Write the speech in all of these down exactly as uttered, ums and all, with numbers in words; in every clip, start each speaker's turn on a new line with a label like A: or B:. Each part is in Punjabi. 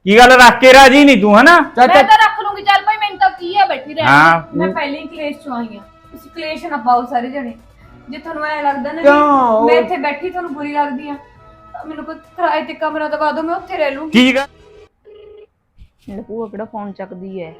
A: ਕੀ ਗੱਲ ਰੱਖ ਕੇ ਰਾਜੀ ਨਹੀਂ ਤੂੰ ਹਨਾ?
B: ਮੈਂ ਤਾਂ ਰੱਖ ਲੂੰਗੀ ਚੱਲ ਭਾਈ ਮੈਨੂੰ ਤਾਂ ਕੀ ਹੈ ਬੈਠੀ ਰਹਿਣ
A: ਹਾਂ
C: ਮੈਂ ਪਹਿਲੇ ਹੀ ਕਲੇਸ਼ ਚ ਆਈ ਆ ਤੁਸੀਂ ਕਲੇਸ਼ ਨਾ ਪਾਓ ਸਾਰੇ ਜਣੇ ਜੇ ਤੁਹਾਨੂੰ ਐ ਲੱਗਦਾ ਨਾ
A: ਕਿਉਂ?
C: ਮੈਂ ਇੱਥੇ ਬੈਠੀ ਤੁਹਾਨੂੰ ਬੁਰੀ ਲੱਗਦੀ ਆ ਤਾਂ ਮੈਨੂੰ ਕੋਈ ਕਿਰਾਏ ਤੇ ਕਮਰਾ ਦਵਾ ਦਿਓ ਮੈਂ ਉੱਥੇ ਰਹਿ ਲੂੰਗੀ
A: ਕੀ ਗੱਲ?
B: ਮੇਰੇ ਭੂਆ ਕਿਹੜਾ ਫੋਨ ਚੱਕਦੀ ਹੈ।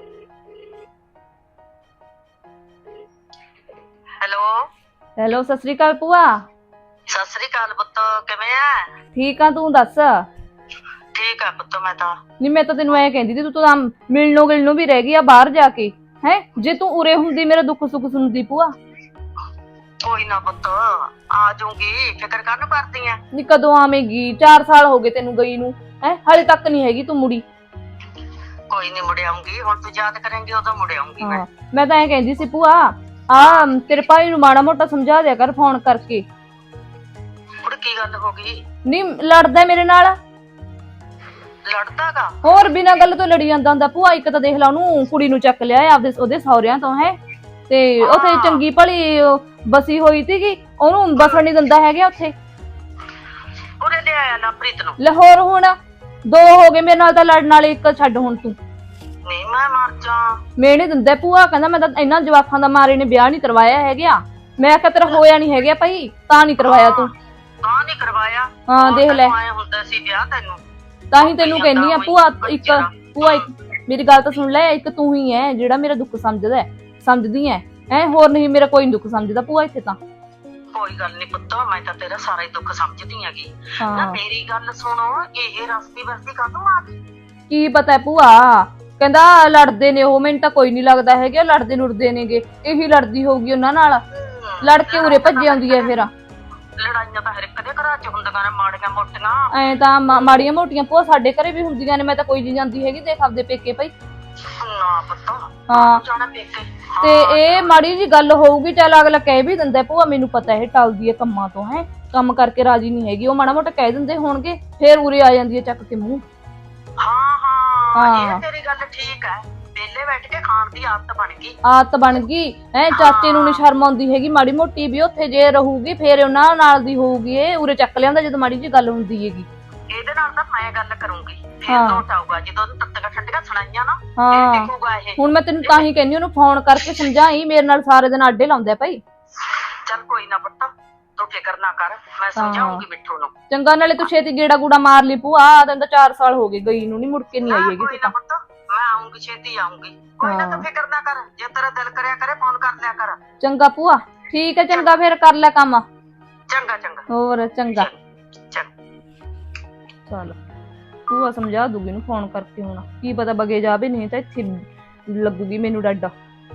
D: ਹੈਲੋ
B: ਹੈਲੋ ਸਤਿ ਸ੍ਰੀ ਅਕਾਲ ਭੂਆ।
D: ਸਤਿ ਸ੍ਰੀ ਅਕਾਲ ਪੁੱਤ ਕਿਵੇਂ ਆ?
B: ਠੀਕ ਆ ਤੂੰ ਦੱਸ।
D: ਠੀਕ ਆ ਪੁੱਤ ਮੈਂ ਤਾਂ
B: ਨਹੀਂ ਮੈਂ ਤਾਂ ਤੈਨੂੰ ਐ ਕਹਿੰਦੀ ਸੀ ਤੂੰ ਤਾਂ ਮਿਲਣੋਂ ਗਿਲਣੋਂ ਵੀ ਰਹਿ ਗਈ ਆ ਬਾਹਰ ਜਾ ਕੇ ਹੈ। ਜੇ ਤੂੰ ਉਰੇ ਹੁੰਦੀ ਮੇਰਾ ਦੁੱਖ ਸੁੱਖ ਸੁਣਦੀ ਭੂਆ।
D: ਕੋਈ ਨਾ ਪੁੱਤ ਆ ਜਾਊਂਗੀ ਫਿਕਰ ਕਾਹਨੂੰ ਕਰਦੀ ਆ?
B: ਨੀ ਕਦੋਂ ਆਵੇਂਗੀ? ਚਾਰ ਸਾਲ ਹੋ ਗਏ ਤੈਨੂੰ ਗਈ ਨੂੰ ਹੈ, ਹਾਲੇ ਤੱਕ ਨਹੀਂ ਹੈਗੀ ਤੂੰ ਮੁੜੀ।
D: ਕੋਈ ਨਹੀਂ ਮੁੜ ਆਉਂਗੀ ਹੁਣ ਤੂੰ ਯਾਦ ਕਰੇਂਗੀ ਉਦੋਂ ਮੁੜ ਆਉਂਗੀ ਮੈਂ।
B: ਮੈਂ ਤਾਂ ਐ ਕਹਿੰਦੀ ਸੀ ਭੂਆ ਆ ਤੇਰੇ ਭਾਈ ਨੂੰ ਮਾੜਾ ਮੋਟਾ ਸਮਝਾ ਦਿਆ ਕਰ ਫੋਨ ਕਰਕੇ।
D: ਹੁਣ ਕੀ ਗੱਲ ਹੋ ਗਈ?
B: ਨਹੀਂ ਲੜਦਾ ਮੇਰੇ ਨਾਲ।
D: ਲੜਦਾਗਾ?
B: ਹੋਰ ਬਿਨਾਂ ਗੱਲ ਤੋਂ ਲੜੀ ਜਾਂਦਾ ਹੁੰਦਾ ਭੂਆ। ਇੱਕ ਤਾਂ ਦੇਖ ਲਾ ਉਹਨੂੰ ਕੁੜੀ ਨੂੰ ਚੱਕ ਲਿਆ ਆਪਦੇ ਉਹਦੇ ਸਹੁਰਿਆਂ ਤੋਂ ਹੈ ਤੇ ਉੱਥੇ ਚੰਗੀ ਭਲੀ ਬਸੀ ਹੋਈ ਸੀਗੀ ਉਹਨੂੰ ਬਸਣ ਨਹੀਂ ਦਿੰਦਾ ਹੈਗਾ ਉੱਥੇ।
D: ਉਹਨੇ ਲੈ ਆਇਆ ਨਾ ਪ੍ਰੀਤ ਨੂੰ।
B: ਲਾਹੌਰ ਹੁਣ ਦੋ ਹੋ ਗਏ ਮੇਰੇ ਨਾਲ ਤਾਂ ਲੜਨ ਵਾਲੇ, ਇੱਕ ਛੱਡ ਹੁਣ ਤੂੰ।
D: ਨਹੀਂ ਮੈਂ ਮਰ ਜਾ।
B: ਮੈਂ ਨਹੀਂ ਦਿੰਦਾ ਭੂਆ ਕਹਿੰਦਾ ਮੈਂ ਤਾਂ ਇਹਨਾਂ ਜਵਾਕਾਂ ਦਾ ਮਾਰੇ ਨੇ ਵਿਆਹ ਨਹੀਂ ਕਰਵਾਇਆ ਹੈਗਾ। ਮੈਂ ਕਿਹਾ ਤੇਰਾ ਹੋਇਆ ਨਹੀਂ ਹੈਗਾ ਭਾਈ ਤਾਂ ਨਹੀਂ ਕਰਵਾਇਆ ਤੂੰ।
D: ਤਾਂ ਨਹੀਂ ਕਰਵਾਇਆ?
B: ਹਾਂ ਦੇਖ ਲੈ
D: ਆਏ ਹੁੰਦਾ ਸੀ ਵਿਆਹ ਤੈਨੂੰ
B: ਤਾਂ ਹੀ ਤੈਨੂੰ ਕਹਿੰਦੀ ਆ ਭੂਆ। ਇੱਕ ਭੂਆ ਇੱਕ ਮੇਰੀ ਗੱਲ ਤਾਂ ਸੁਣ ਲੈ, ਇੱਕ ਤੂੰ ਹੀ ਹੈ ਜਿਹੜਾ ਮੇਰਾ ਦੁੱਖ ਸਮਝਦਾ ਸਮਝਦੀ ਐ ਐ ਹੋਰ ਨਹੀਂ ਮੇਰਾ ਕੋਈ ਦੁੱਖ ਸਮਝਦਾ ਭੂਆ ਇੱਥੇ ਤਾਂ।
D: ਕੋਈ ਗੱਲ ਨਹੀਂ ਪੁੱਤ ਮੈਂ ਤਾਂ ਤੇਰਾ ਸਾਰਾ ਹੀ ਦੁੱਖ ਸਮਝਦੀ ਹੈਗੀ ਨਾ।
B: ਹਾਂ
D: ਮੇਰੀ ਗੱਲ ਸੁਣੋ ਇਹ ਰਸਤੀ ਵਰਤੀ ਕਾਹਤੋਂ ਆ ਗਈ?
B: ਕੀ ਪਤਾ ਭੂਆ ਕਹਿੰਦਾ ਲੜਦੇ ਨੇ ਉਹ, ਮੈਨੂੰ ਤਾਂ ਕੋਈ ਨਹੀਂ ਲੱਗਦਾ ਹੈਗਾ ਲੜਦੇ ਲੁੜਦੇ ਨੇਗੇ। ਇਹੀ ਲੜਦੀ ਹੋਊਗੀ ਉਹਨਾਂ ਨਾਲ, ਲੜ ਕੇ ਉਰੇ ਭੱਜ ਆਉਂਦੀ ਐ ਫਿਰ।
D: ਲੜਾਈਆਂ ਤਾਂ ਹਰ ਇੱਕ ਦੇ ਘਰਾਂ 'ਚ ਹੁੰਦੀਆਂ ਨੇ ਮਾੜੀਆਂ ਮੋਟੀਆਂ।
B: ਐ ਤਾਂ ਮਾੜੀਆਂ ਮੋਟੀਆਂ ਭੂਆ ਸਾਡੇ ਘਰੇ ਵੀ ਹੁੰਦੀਆਂ ਨੇ। ਮੈਂ ਤਾਂ ਕੋਈ ਨਹੀਂ ਜਾਂਦੀ ਹੈਗੀ ਦੇਖ ਆਪਦੇ ਪੇਕੇ ਭਾਈ।
D: ਨਾ ਪੁੱਤ
B: ਹਾਂ
D: ਜਾਣਾ ਪੇਕੇ।
B: ਤੇ ਇਹ ਮਾੜੀ ਜੀ ਗੱਲ ਹੋਊਗੀ ਚੱਲ ਅਗਲਾ ਕਹਿ ਵੀ ਦਿੰਦਾ ਭੂਆ ਮੈਨੂੰ ਪਤਾ ਇਹ ਟਲਦੀ ਹੈ ਕੰਮਾਂ ਤੋਂ ਹੈ, ਕੰਮ ਕਰਕੇ ਰਾਜੀ ਨਹੀਂ ਹੈਗੀ। ਉਹ ਮਾੜਾ ਮੋਟਾ ਕਹਿ ਦਿੰਦੇ ਹੋਣਗੇ ਫੇਰ ਉਰੇ ਆ ਜਾਂਦੀ ਹੈ ਚੱਕ ਕੇ ਮੂੰਹ।
D: ਹਾਂ ਹਾਂ
B: ਹਾਂ।
D: ਇਹ ਤੇਰੀ ਗੱਲ ਠੀਕ ਹੈ। ਵਿਹਲੇ ਬੈਠ ਕੇ ਖਾਣ ਦੀ ਆਦਤ ਬਣ ਗਈ।
B: ਆਦਤ ਬਣ ਗਈ ਹੈ। ਚਾਚੇ ਨੂੰ ਨੀ ਸ਼ਰਮ ਆਉਂਦੀ ਹੈਗੀ ਮਾੜੀ ਮੋਟੀ ਵੀ। ਉੱਥੇ ਜੇ ਰਹੂਗੀ ਫੇਰ ਉਹਨਾਂ ਨਾਲ ਦੀ ਹੋਊਗੀ। ਇਹ ਉਰੇ ਚੱਕ ਲਿਆਉਂਦਾ ਜਦੋਂ ਮਾੜੀ ਜੀ ਗੱਲ ਹੁੰਦੀ ਹੈਗੀ।
D: ਇਹਦੇ ਨਾਲ ਤਾਂ ਮੈਂ ਗੱਲ ਕਰੂੰਗੀ ਫੇਰ
B: ਹਾਂ।
D: ਤੋਂ ਉਠਾਊਗਾ ਜਦੋਂ ਉਹਨੂੰ ਤੱਤੀਆਂ ਠੰਡੀਆਂ ਸੁਣਾਈਆਂ ਨਾ
B: ਹਾਂ।
D: ਫੇਰ ਦੇਖੂਗਾ ਇਹ।
B: ਹੁਣ ਮੈਂ ਤੈਨੂੰ ਤਾਂ ਹੀ ਕਹਿੰਦੀ ਉਹਨੂੰ ਫੋਨ ਕਰਕੇ ਸਮਝਾਈ, ਮੇਰੇ ਨਾਲ ਸਾਰੇ ਦਿਨ ਆਡੇ ਲਾਉਂਦਾ ਭਾਈ।
D: ਚੱਲ ਕੋਈ ਨਾ ਪੁੱਤ ਤੂੰ ਫਿਕਰ ਨਾ ਕਰ ਮੈਂ ਸਮਝਾਉਂਗੀ ਮਿੱਠੂ ਨੂੰ।
B: ਚੰਗਾ ਨਾਲੇ ਤੂੰ ਛੇਤੀ ਗੇੜਾ ਗੂੜਾ ਮਾਰ ਲਈ ਭੂਆ। ਤੈਨੂੰ ਤਾਂ ਚਾਰ ਸਾਲ ਹੋ ਗਏ ਗਈ ਨੂੰ, ਨੀ ਮੁੜ ਕੇ ਨਹੀਂ ਆਈ ਹੈਗੀ
D: ਕੋਈ
B: ਤੂੰ
D: ਨਾ
B: ਤਾਂ।
D: ਪੁੱਤ ਮੈਂ ਆਉਂਗੀ ਛੇਤੀ ਆਉਂਗੀ। ਕੋਈ ਨਾ ਤੂੰ ਫਿਕਰ ਨਾ ਕਰ, ਜੇ ਤੇਰਾ ਦਿਲ ਕਰਿਆ ਕਰੇ ਫੋਨ ਕਰ ਲਿਆ ਕਰ।
B: ਚੰਗਾ ਭੂਆ ਠੀਕ ਹੈ ਚੰਗਾ ਫੇਰ ਕਰ ਲੈ ਕੰਮ।
D: ਚੰਗਾ ਚੰਗਾ
B: ਹੋਰ ਚੰਗਾ
D: ਚੰਗਾ।
B: ਚੱਲ ਭੂਆ ਸਮਝਾ ਦੂਗੀ ਨੂੰ ਫੋਨ ਕਰਕੇ। ਹੁਣ ਕੀ ਪਤਾ ਬਗੇ ਜਾਵੇ, ਨਹੀਂ ਤਾਂ ਇੱਥੇ ਲੱਗੂਗੀ ਮੈਨੂੰ ਡਾਡਾ।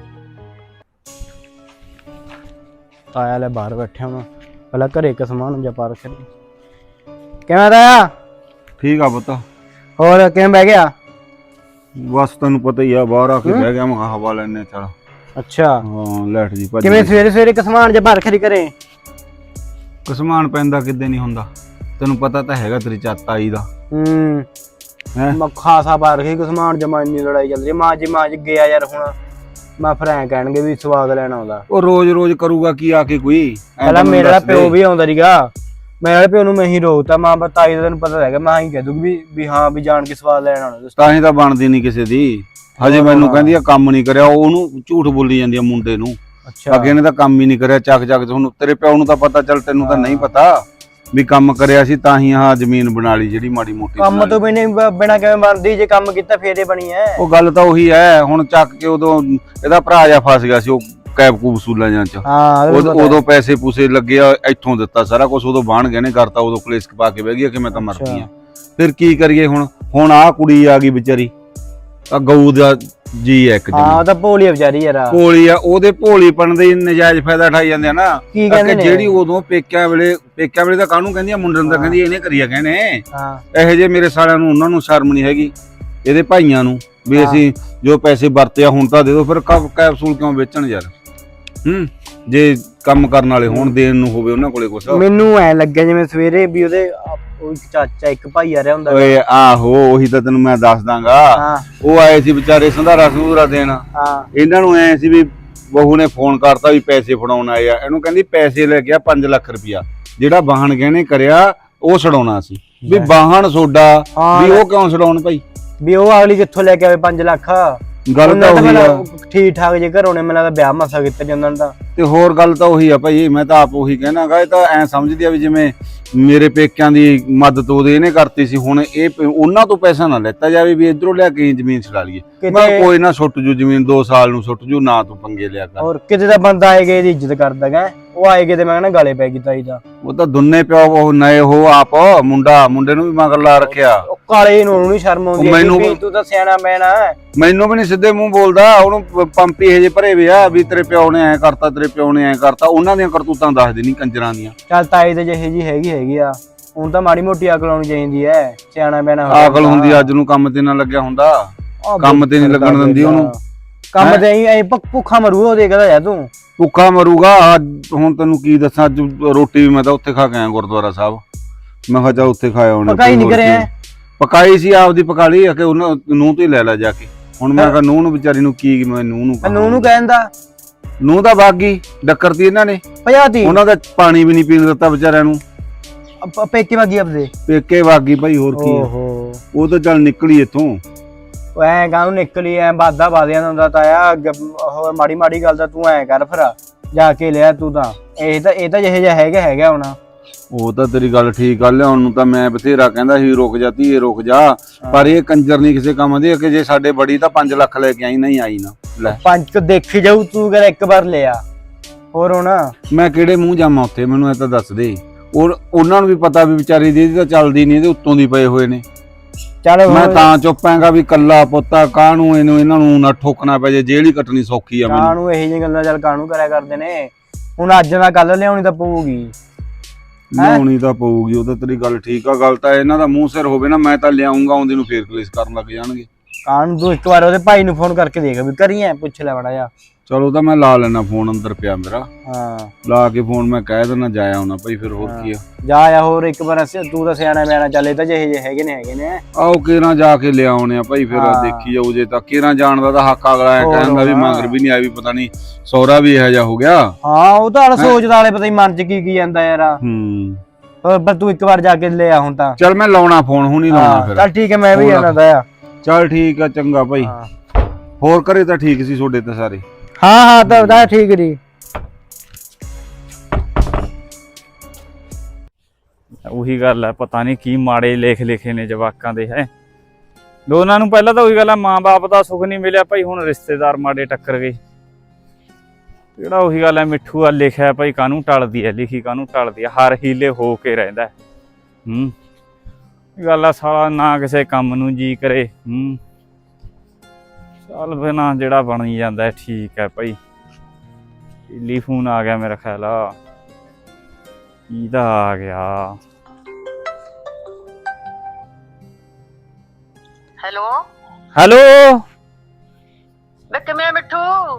E: ਆਇਆ ਲੈ ਬਾਹਰ ਬੈਠਿਆ ਮੈਂ ਪਹਿਲਾਂ ਘਰੇ ਇੱਕ ਸਮਾਨ ਜਿਹਾ ਪਾ ਰੱਖਿਆ। ਕਿਵੇਂ ਤਾਇਆ?
F: ਠੀਕ ਆ ਪੁੱਤ।
E: ਹੋਰ ਕਿਵੇਂ ਬਹਿ ਗਿਆ?
F: ਬਸ ਤੈਨੂੰ ਪਤਾ ਹੀ ਆ ਬਾਹਰ ਆ ਕੇ ਬਹਿ ਗਿਆ ਮੈਂ ਹਵਾ ਲੈਣੇ। ਚੱਲ
E: ਅੱਛਾ
F: ਹਾਂ ਲੈਟ ਜੀ ਭੱਜ
E: ਕਿਵੇਂ ਸਵੇਰੇ ਸਵੇਰੇ ਇੱਕ ਸਮਾਨ ਜਿਹਾ ਪਾ ਰੱਖਿਆ ਘਰੇ?
F: ਕਸਮਾਨ ਪੈਂਦਾ ਕਿੱਦੇ ਨਹੀਂ ਹੁੰਦਾ, ਤੈਨੂੰ ਪਤਾ ਤਾਂ ਹੈਗਾ ਤੇਰੀ ਚਾਤ ਆਈ ਦਾ
E: ਹੂੰ
F: ਹੈ।
E: ਮੈਂ ਖਾਸਾ ਪਾ ਰੱਖਿਆ ਇੱਕ ਸਮਾਨ ਜਮਾ ਇੰਨੀ ਲੜਾਈ ਚੱਲ ਰਹੀ। ਮਾਂ ਜੀ ਮਾਂ ਜੀ ਗਿਆ ਯਾਰ ਹੁਣ ਮੈਂ ਫਿਰ ਐਂ ਕਹਿਣਗੇ ਵੀ ਸਵਾਦ ਲੈਣ ਆਉਂਦਾ।
F: ਉਹ ਰੋਜ਼ ਰੋਜ਼ ਕਰੂਗਾ ਕੀ ਆ ਕੇ ਕੋਈ?
E: ਪਹਿਲਾਂ ਮੇਰੇ ਵਾਲਾ ਪਿਓ ਵੀ ਆਉਂਦਾ ਸੀਗਾ, ਮੇਰੇ ਵਾਲੇ ਪਿਓ ਨੂੰ ਮੈਂ ਹੀ ਰੋਕਤਾ। ਮਾਂ ਬਤਾਈ ਦਾ ਤੈਨੂੰ ਪਤਾ ਹੈਗਾ ਮੈਂ ਹੀ ਕਹਿ ਦੂਗੀ ਵੀ ਵੀ ਹਾਂ ਵੀ ਜਾਣ ਕੇ ਸਵਾਦ ਲੈਣ ਆਉਣਾ।
F: ਤਾਂ ਹੀ ਤਾਂ ਬਣਦੀ ਨਹੀਂ ਕਿਸੇ ਦੀ। ਹਜੇ ਮੈਨੂੰ ਕਹਿੰਦੀ ਆ ਕੰਮ ਨਹੀਂ ਕਰਿਆ, ਉਹਨੂੰ ਝੂਠ ਬੋਲੀ ਜਾਂਦੀ ਆ ਮੁੰਡੇ ਨੂੰ।
E: ਅੱਛਾ
F: ਅੱਗੇ ਨੇ ਤਾਂ ਕੰਮ ਹੀ ਨਹੀਂ ਕਰਿਆ ਚੱਕ ਚੱਕ। ਤੁਹਾਨੂੰ ਤੇਰੇ ਪਿਓ ਨੂੰ ਤਾਂ ਪਤਾ, ਚੱਲ ਤੈਨੂੰ ਤਾਂ ਨਹੀਂ ਪਤਾ ਵੀ ਕੰਮ ਕਰਿਆ ਸੀ ਤਾਂ ਹੀ ਆਹ ਜ਼ਮੀਨ ਬਣਾ ਲਈ ਜਿਹੜੀ ਮਾੜੀ ਮੋਟੀ।
E: ਕੰਮ ਤੋਂ ਬਿਨਾਂ ਬਿਨਾਂ ਕਿਵੇਂ ਬਣਦੀ? ਜੇ ਕੰਮ ਕੀਤਾ ਫੇਰੇ ਬਣੀ ਐ।
F: ਉਹ ਗੱਲ ਤਾਂ ਉਹੀ ਹੈ। ਹੁਣ ਚੱਕ ਕੇ ਉਦੋਂ ਇਹਦਾ ਭਰਾ ਜਾ ਫਸ ਗਿਆ ਸੀ ਉਹ ਕੈਬ ਕੂਬ ਵਸੂਲਾਂ ਜਾਂ ਚ।
E: ਹਾਂ
F: ਉਦੋਂ ਪੈਸੇ ਪੂਸੇ ਲੱਗੇ ਆ, ਇੱਥੋਂ ਦਿੱਤਾ ਸਾਰਾ ਕੁਝ। ਉਦੋਂ ਬਾਣ ਗਏ ਨੇ ਕਰਤਾ, ਉਦੋਂ ਕਲੇਸ਼ ਪਾ ਕੇ ਬਹਿ ਗਈ ਕਿ ਮੈਂ ਤਾਂ ਮਰਦੀ ਆ। ਫਿਰ ਕੀ ਕਰੀਏ ਹੁਣ? ਹੁਣ ਆਹ ਕੁੜੀ ਆ ਗਈ ਵਿਚਾਰੀ, ਆ ਗਊ ਦਾ ਜੀ ਇੱਕ
E: ਹਾਂ ਉਹ ਤਾਂ ਭੋਲੀ ਆ ਵਿਚਾਰੀ ਯਾਰ।
F: ਭੋਲੀ ਆ, ਉਹਦੇ ਭੋਲੀਪਣ ਦੇ ਨਜਾਇਜ਼ ਫਾਇਦਾ ਉਠਾਈ ਜਾਂਦੇ ਆ ਨਾ।
E: ਕੀ ਕਹਿੰਦੇ ਨੇ?
F: ਜਿਹੜੀ ਉਦੋਂ ਪੇਕਿਆਂ ਵੇਲੇ ਪੇਕਿਆਂ ਵੇਲੇ ਤਾਂ ਕਾਹਨੂੰ ਕਹਿੰਦੀ ਆ ਮੁੰਡੇ ਨੂੰ ਤਾਂ ਕਹਿੰਦੀ ਇਹਨੇ ਕਰੀਆ ਕਹਿੰਦੇ
E: ਹਾਂ
F: ਇਹੋ ਜਿਹੇ ਮੇਰੇ ਸਾਲਿਆਂ ਨੂੰ, ਉਹਨਾਂ ਨੂੰ ਸ਼ਰਮ ਨਹੀਂ ਹੈਗੀ ਇਹਦੇ ਭਾਈਆਂ ਨੂੰ ਵੀ ਅਸੀਂ ਜੋ ਪੈਸੇ ਵਰਤਿਆ ਹੁਣ ਤਾਂ ਦੇ ਦਿਓ। ਫਿਰ ਕੈਪਸੂਲ ਕਿਉਂ ਵੇਚਣ ਯਾਰ? ਹੂੰ ਜੇ ਕੰਮ ਕਰਨ ਵਾਲੇ ਹੋਣ ਦੇਣ ਨੂੰ ਹੋਵੇ ਉਹਨਾਂ ਕੋਲੇ ਕੁਛ।
E: ਮੈਨੂੰ ਐ ਲੱਗਿਆ ਜਿਵੇਂ ਸਵੇਰੇ ਵੀ ਉਹਦੇ ਉਹ ਇੱਕ ਚਾਚਾ ਇੱਕ ਭਾਈ ਆ ਰਿਹਾ ਹੁੰਦਾ।
F: ਓਏ ਆਹੋ ਉਹੀ ਤਾਂ ਤੈਨੂੰ ਮੈਂ ਦੱਸ ਦਾਂਗਾ।
E: ਹਾਂ
F: ਉਹ ਆਏ ਸੀ ਵਿਚਾਰੇ ਸੰਧਾਰਾ ਸੰਧੂਰਾ ਦੇਣ।
E: ਹਾਂ
F: ਇਹਨਾਂ ਨੂੰ ਐ ਸੀ ਵੀ ਬਹੂ ਨੇ ਫੋਨ ਕਰਤਾ ਵੀ ਪੈਸੇ ਫੜਾਉਣ ਆਏ ਆ। ਇਹਨੂੰ ਕਹਿੰਦੀ ਪੈਸੇ ਲੈ ਗਿਆ ਪੰਜ ਲੱਖ ਰੁਪਇਆ ਜਿਹੜਾ ਵਾਹਣ ਗਹਿਣੇ ਕਰਿਆ ਉਹ ਛਡਾਉਣਾ ਸੀ। ਵੀ ਵਾਹਣ ਸੋਡਾ ਵੀ ਉਹ ਕਿਉਂ ਛਡਾਉਣ ਭਾਈ?
E: ਵੀ ਉਹ ਅਗਲੀ ਕਿੱਥੋਂ ਲੈ ਕੇ ਆਵੇ ਪੰਜ ਲੱਖ।
F: ਗੱਲ ਤਾਂ
E: ਉਹਨਾਂ ਤਾਂ
F: ਉਹੀ ਆ
E: ਪਹਿਲਾਂ ਠੀਕ ਠਾਕ ਜੇ ਘਰੋਂ ਨੇ ਮੈਨੂੰ ਲੱਗਦਾ ਵਿਆਹ ਮਸਾ ਕੀਤਾ ਜਾਂਦਾ ਦਾ।
F: ਤੇ ਹੋਰ ਗੱਲ ਤਾਂ ਉਹੀ ਆ ਭਾਈ, ਮੈਂ ਤਾਂ ਆਪ ਉਹੀ ਕਹਿਣਾਗਾ। ਇਹ ਤਾਂ ਐ ਸਮਝਦੀ ਆ ਵੀ ਜਿਵੇਂ ਮੇਰੇ ਪੇਕਿਆਂ ਦੀ ਮਦਦ ਉਹਦੇ ਇਹਨੇ ਕਰਤੀ ਸੀ, ਹੁਣ ਇਹ ਪ- ਉਹਨਾਂ ਤੋਂ ਪੈਸਾ ਨਾ ਲੈਤਾ ਜਾਵੇ ਵੀ ਇਧਰੋਂ ਲਿਆ ਕੇ ਜ਼ਮੀਨ ਛਡਾ ਲਈਏ। ਮੈਂ
E: ਕਿਤੇ
F: ਕੋਈ ਨਾ ਸੁੱਟ ਜੂ ਜ਼ਮੀਨ, ਦੋ ਸਾਲ ਨੂੰ ਸੁੱਟ ਜੂ, ਨਾ ਤੂੰ ਪੰਗੇ ਲਿਆ ਕਰ।
E: ਹੋਰ ਕਿਤੇ ਦਾ ਬੰਦਾ ਆਏਗਾ ਇਹਦੀ ਇੱਜ਼ਤ ਕਰਦਾ ਗਾ, ਉਹ ਆਏਗੇ ਤੇ ਮੈਂ ਕਹਿੰਦਾ ਗਾਲੇ ਪੈ ਗਈ ਤਾਈ ਦਾ।
F: ਉਹ ਤਾਂ ਦੁੰਨੇ ਪਿਓ ਉਹ ਨਏ ਹੋ ਆਪ, ਮੁੰਡਾ ਮੁੰਡੇ ਨੂੰ ਵੀ ਮਗਰ ਲਾ ਰੱਖਿਆ।
E: ਉਹ ਕਾਲੇ ਨੂੰ ਉਹਨੂੰ ਨੀ ਸ਼ਰਮ ਆਉਂਦੀ
F: ਉਹ ਮੈਨੂੰ-
E: ਵੀ ਤੂੰ ਤਾਂ ਸਿਆਣਾ ਮੈਣਾ।
F: ਮੈਨੂੰ ਵੀ ਨਹੀਂ ਸਿੱਧੇ ਮੂੰਹ ਬੋਲਦਾ, ਉਹਨੂੰ ਪ- ਪੰਪੀ ਇਹ ਜੇ ਭਰੇ ਵੇ ਆ ਵੀ ਤੇਰੇ ਪਿਓ ਨੇ ਐ ਕਰਤਾ, ਤੇਰੇ ਪਿਓ ਨੇ ਐ ਕਰਤਾ। ਉਹਨਾਂ ਦੀਆਂ ਕਰਤੂਤਾਂ ਦੱਸਦੇ ਨਹੀਂ ਕੰਜਰਾਂ ਦੀਆਂ।
E: ਚੱਲ ਤਾਈ ਤੇ ਜਿਹੇ ਜੀ ਹੈਗੀ ਹੈਗੀ ਆ, ਹੁਣ ਤਾਂ ਮਾੜੀ ਮੋਟੀ ਅਕਲ ਆਉਣੀ ਚਾਹੀਦੀ ਐ, ਸਿਆਣਾ ਮੈਣਾ ਹੋ
F: ਅਕਲ ਹੁੰਦੀ ਅੱਜ ਨੂੰ ਕੰਮ ਤੇ ਨਾ ਲੱਗਿਆ ਹੁੰਦਾ,
E: ਆਹ
F: ਕੰਮ ਤੇ ਨੀ ਲੱਗਣ ਦਿੰਦੀ ਉਹਨੂੰ।
E: ਕੰਮ ਤੇ ਐਂ ਐਂ ਭੁੱਖ- ਭੁੱਖਾ ਮਰੂ ਉਹ ਦੇਖਦਾ ਜਾ ਤੂੰ।
F: ਭੁੱਖਾ ਮਰੂਗਾ। ਅੱਜ ਹੁਣ ਤੈਨੂੰ ਕੀ ਦੱਸਾਂ, ਅੱਜ ਰੋਟੀ ਵੀ ਮੈਂ ਤਾਂ ਉੱਥੇ ਖਾ ਕੇ ਆਇਆ ਗੁਰਦੁਆਰਾ ਸਾਹਿਬ। ਮੈਂ ਕਿਹਾ ਚੱਲ ਉੱਥੇ ਖਾਇਆ ਹੁਣ।
E: ਪਕਾਈ ਨਹੀਂ ਕਰਿਆ?
F: ਪਕਾਈ ਸੀ ਆਪਦੀ ਪਕਾ ਲਈ ਆ ਕਿ ਉਹਨਾਂ ਨੂੰਹ ਤੋਂ ਹੀ ਲੈ ਲੈ ਜਾ ਕੇ। ਹੁਣ ਮੈਂ ਕਿਹਾ ਨੂੰਹ ਨੂੰ ਵਿਚਾਰੀ ਨੂੰ ਕੀ ਮੈਂ ਨੂੰਹ ਨੂੰ
E: ਨੂੰ ਨੂੰ ਕਹਿੰਦਾ
F: ਨੂੰਹ ਤਾਂ ਬਾਗੀ ਡੱਕਰਤੀ ਇਹਨਾਂ ਨੇ,
E: ਭਜਾਤੀ
F: ਉਹਨਾਂ ਦਾ ਪਾਣੀ ਵੀ ਨਹੀਂ ਪੀਣ ਦਿੱਤਾ ਵਿਚਾਰਿਆਂ ਨੂੰ।
E: ਅਪ- ਪੇਕੇ ਵਾਗੀ ਆਪਦੇ।
F: ਪੇਕੇ ਵਾਗੀ ਭਾਈ, ਹੋਰ ਕੀ ਆ।
E: ਓਹੋ
F: ਉਹ ਤਾਂ ਚੱਲ ਨਿਕਲੀ ਇੱਥੋਂ।
E: ਉਹ ਐਂ ਕਾਹਨੂੰ ਨਿਕਲੀ ਐ ਬਾਦਾ ਬਾਦਿਆਂ ਹੁੰਦਾ ਤਾਇਆ। ਹੋਰ ਮਾੜੀ ਮਾੜੀ ਗੱਲ ਤਾਂ ਤੂੰ ਐਂ ਕਰ ਫਿਰ ਜਾ ਕੇ ਲਿਆ ਤੂੰ ਤਾਂ। ਇਹ ਤਾਂ ਇਹ ਤਾਂ ਜਿਹੇ ਜਿਹਾ ਹੈਗਾ ਹੈਗਾ ਹੁਣ।
F: ਉਹ ਤਾਂ ਤੇਰੀ ਗੱਲ ਠੀਕ ਆ, ਲਿਆਉਣ ਨੂੰ ਤਾਂ ਮੈਂ ਬਥੇਰਾ ਕਹਿੰਦਾ ਸੀ ਰੁਕ ਜਾ ਧੀਏ ਰੁਕ ਜਾ, ਪਰ ਇਹ ਕੰਜਰ ਨਹੀਂ ਕਿਸੇ ਕੰਮ ਦੀ ਕਿ ਜੇ ਸਾਡੇ ਬੜੀ ਤਾਂ ਪੰਜ ਲੱਖ ਲੈ ਕੇ ਆਈ, ਨਹੀਂ ਆਈ ਨਾ ਲੈ।
E: ਪੰਜ ਕੁ ਦੇਖੀ ਜਾਊ ਤੂੰ ਕਰ ਇੱਕ ਵਾਰ ਲਿਆ ਹੋਰ ਹੁਣ।
F: ਮੈਂ ਕਿਹੜੇ ਮੂੰਹ ਜਾਵਾਂ ਉੱਥੇ, ਮੈਨੂੰ ਇਹ ਤਾਂ ਦੱਸ ਦੇ। ਉਹ ਉਹਨਾਂ ਨੂੰ ਵੀ ਪਤਾ ਵੀ ਵਿਚਾਰੀ ਦੀ ਇਹਦੀ ਤਾਂ ਚੱਲਦੀ ਨਹੀਂ, ਇਹਦੇ ਉੱਤੋਂ ਦੀ ਪਏ ਹੋਏ ਨੇ।
E: ਚੱਲ
F: ਮੈਂ ਤਾਂ ਚੁੱਪ ਆਂਗਾ ਵੀ ਕੱਲਾ ਪੁੱਤਾ ਕਾਹਨੂੰ ਇਹਨੂੰ ਇਹਨਾਂ ਨੂੰ ਨਾ ਠੋਕਣਾ ਪੈ ਜੇ, ਜੇਲ੍ਹ ਹੀ ਕੱਟਣੀ ਸੌਖੀ ਆ ਮੈਨੂੰ।
E: ਕਾਹਨੂੰ ਇਹੋ ਜਿਹੀਆਂ ਗੱਲਾਂ ਚੱਲ ਕਾਹਨੂੰ ਕਰਿਆ ਕਰਦੇ ਨੇ। ਹੁਣ ਅੱਜ ਨਾ ਕੱਲ ਲਿਆਉਣੀ ਤਾਂ ਪਊਗੀ।
F: ਲਿਆਉਣੀ ਤਾਂ ਪਊਗੀ, ਉਹ ਤਾਂ ਤੇਰੀ ਗੱਲ ਠੀਕ ਆ। ਗੱਲ ਤਾਂ ਇਹਨਾਂ ਦਾ ਮੂੰਹ ਸਿਰ ਹੋਵੇ ਨਾ, ਮੈਂ ਤਾਂ ਲਿਆਉਂਗਾ ਆਉਂਦੀ ਨੂੰ ਫੇਰ ਕਲੇਸ਼ ਕਰਨ ਲੱਗ ਜਾਣਗੇ।
E: ਕਾਹਨੂੰ ਤੂੰ ਇੱਕ ਵਾਰ ਉਹਦੇ ਭਾਈ ਨੂੰ ਫੋਨ ਕਰਕੇ ਦੇਖ ਵੀ ਕਰੀਏ, ਪੁੱਛ ਲੈ ਬੜਾ ਜਾ।
F: ਚਲੋ ਤਾਂ ਮੈਂ ਲਾ ਲੈਣਾ ਫੋਨ, ਅੰਦਰ ਪਿਆ ਮੇਰਾ,
E: ਹਾਂ
F: ਲਾ ਕੇ ਫੋਨ ਮੈਂ ਕਹਿ ਦੇਣਾ ਜਾਇਆ ਹੋਣਾ ਭਾਈ, ਫਿਰ ਹੋਰ ਕੀ ਆ।
E: ਜਾ ਆ ਹੋਰ ਇੱਕ ਵਾਰ ਅਸੀਂ- ਤੂੰ ਤਾਂ ਸਿਆਣਾ ਬਿਆਣਾ ਚੱਲ, ਇਹ ਤਾਂ ਜਿਹੇ ਜਿਹੇ ਹੈਗੇ ਨੇ ਹੈਗੇ ਨੇ।
F: ਆਓ ਕਿਹੜਾ ਜਾ ਕੇ ਲਿਆਉਣੇ ਆ ਭਾਈ, ਫਿਰ
E: ਹਾਂ।
F: ਦੇਖੀ ਜਾਊ। ਜੇ ਤਾਂ ਕਿਹੜਾ ਜਾਣ ਦਾ ਤਾਂ ਹੱਕ ਅਗਲਾ ਐ
E: ਹੋਰ
F: ਕਹਿੰਦਾ ਵੀ
E: ਹੋਣਾ।
F: ਮੰਗਰ ਵੀ ਨਹੀਂ ਆਈ, ਵੀ ਪਤਾ ਨਹੀਂ ਸਹੁਰਾ ਵੀ ਇਹੋ ਜਿਹਾ ਹੋ ਗਿਆ।
E: ਹਾਂ ਉਹ ਤਾਂ ਹਾਲੇ ਸੋਚਦਾ ਵਾਲੇ ਪਤਾ ਹੀ ਮਨ ਚ ਕੀ ਕੀ ਜਾਂਦਾ ਯਾਰ।
F: ਹੂੰ
E: ਹੋਰ ਪਰ ਤੂੰ ਇੱਕ ਵਾਰ ਜਾ ਕੇ ਲੈ ਆ ਹੁਣ ਤਾਂ।
F: ਚੱਲ ਮੈਂ ਲਾਉਣਾ ਫੋਨ, ਹੁਣ ਹੀ ਲਾਉਣਾ
E: ਹਾਂ
F: ਫਿਰ।
E: ਚੱਲ ਠੀਕ ਹੈ, ਮੈਂ ਵੀ
F: ਹੋਰ
E: ਜਾਣਾ ਦਾ ਆ।
F: ਚੱਲ ਠੀਕ ਆ, ਚੰਗਾ ਭਾਈ।
E: ਹਾਂ
F: ਹੋਰ ਘਰੇ ਤਾਂ ਠੀਕ ਸੀ ਤੁਹਾਡੇ ਤਾਂ ਸਾਰੇ?
E: ਹਾਂ ਹਾਂ ਤਾਂ ਤਾਂ ਠੀਕ ਜੀ।
A: ਉਹੀ ਗੱਲ ਹੈ, ਪਤਾ ਨਹੀਂ ਕੀ ਮਾੜੇ ਲੇਖ ਲਿਖੇ ਨੇ ਜਵਾਕਾਂ ਦੇ ਹੈ। ਦੋਨਾਂ ਨੂੰ ਪਹਿਲਾਂ ਤਾਂ ਉਹੀ ਗੱਲ ਹੈ, ਮਾਂ-ਬਾਪ ਦਾ ਸੁੱਖ ਨਹੀਂ ਮਿਲਿਆ ਭਾਈ, ਹੁਣ ਰਿਸ਼ਤੇਦਾਰ ਮਾੜੇ ਟੱਕਰ ਗਏ। ਜਿਹੜਾ ਉਹੀ ਗੱਲ ਹੈ, ਮਿੱਠੂ ਆ ਲਿਖਿਆ ਭਾਈ ਕਾਹਨੂੰ ਟਲਦੀ ਹੈ, ਲਿਖੀ ਕਾਹਨੂੰ ਟਲਦੀ ਹੈ, ਹਰ ਹੀਲੇ ਹੋ ਕੇ ਰਹਿੰਦਾ। ਹੂੰ ਗੱਲ ਆ, ਸਾਲਾ ਨਾ ਕਿਸੇ ਕੰਮ ਨੂੰ ਜੀ ਕਰੇ। ਹੂੰ ਚੱਲ ਬਿਨਾ ਜਿਹੜਾ ਬਣ ਹੀ ਜਾਂਦਾ ਠੀਕ ਹੈ ਭਾਈ। ਟੈਲੀਫੋਨ ਆ ਗਿਆ ਮੇਰਾ ਖਿਆਲ ਆ, ਕਿਹਦਾ ਆ ਗਿਆ?
D: ਹੈਲੋ
A: ਹੈਲੋ
D: ਵੇ ਕਿਵੇਂ ਮਿੱਠੂ?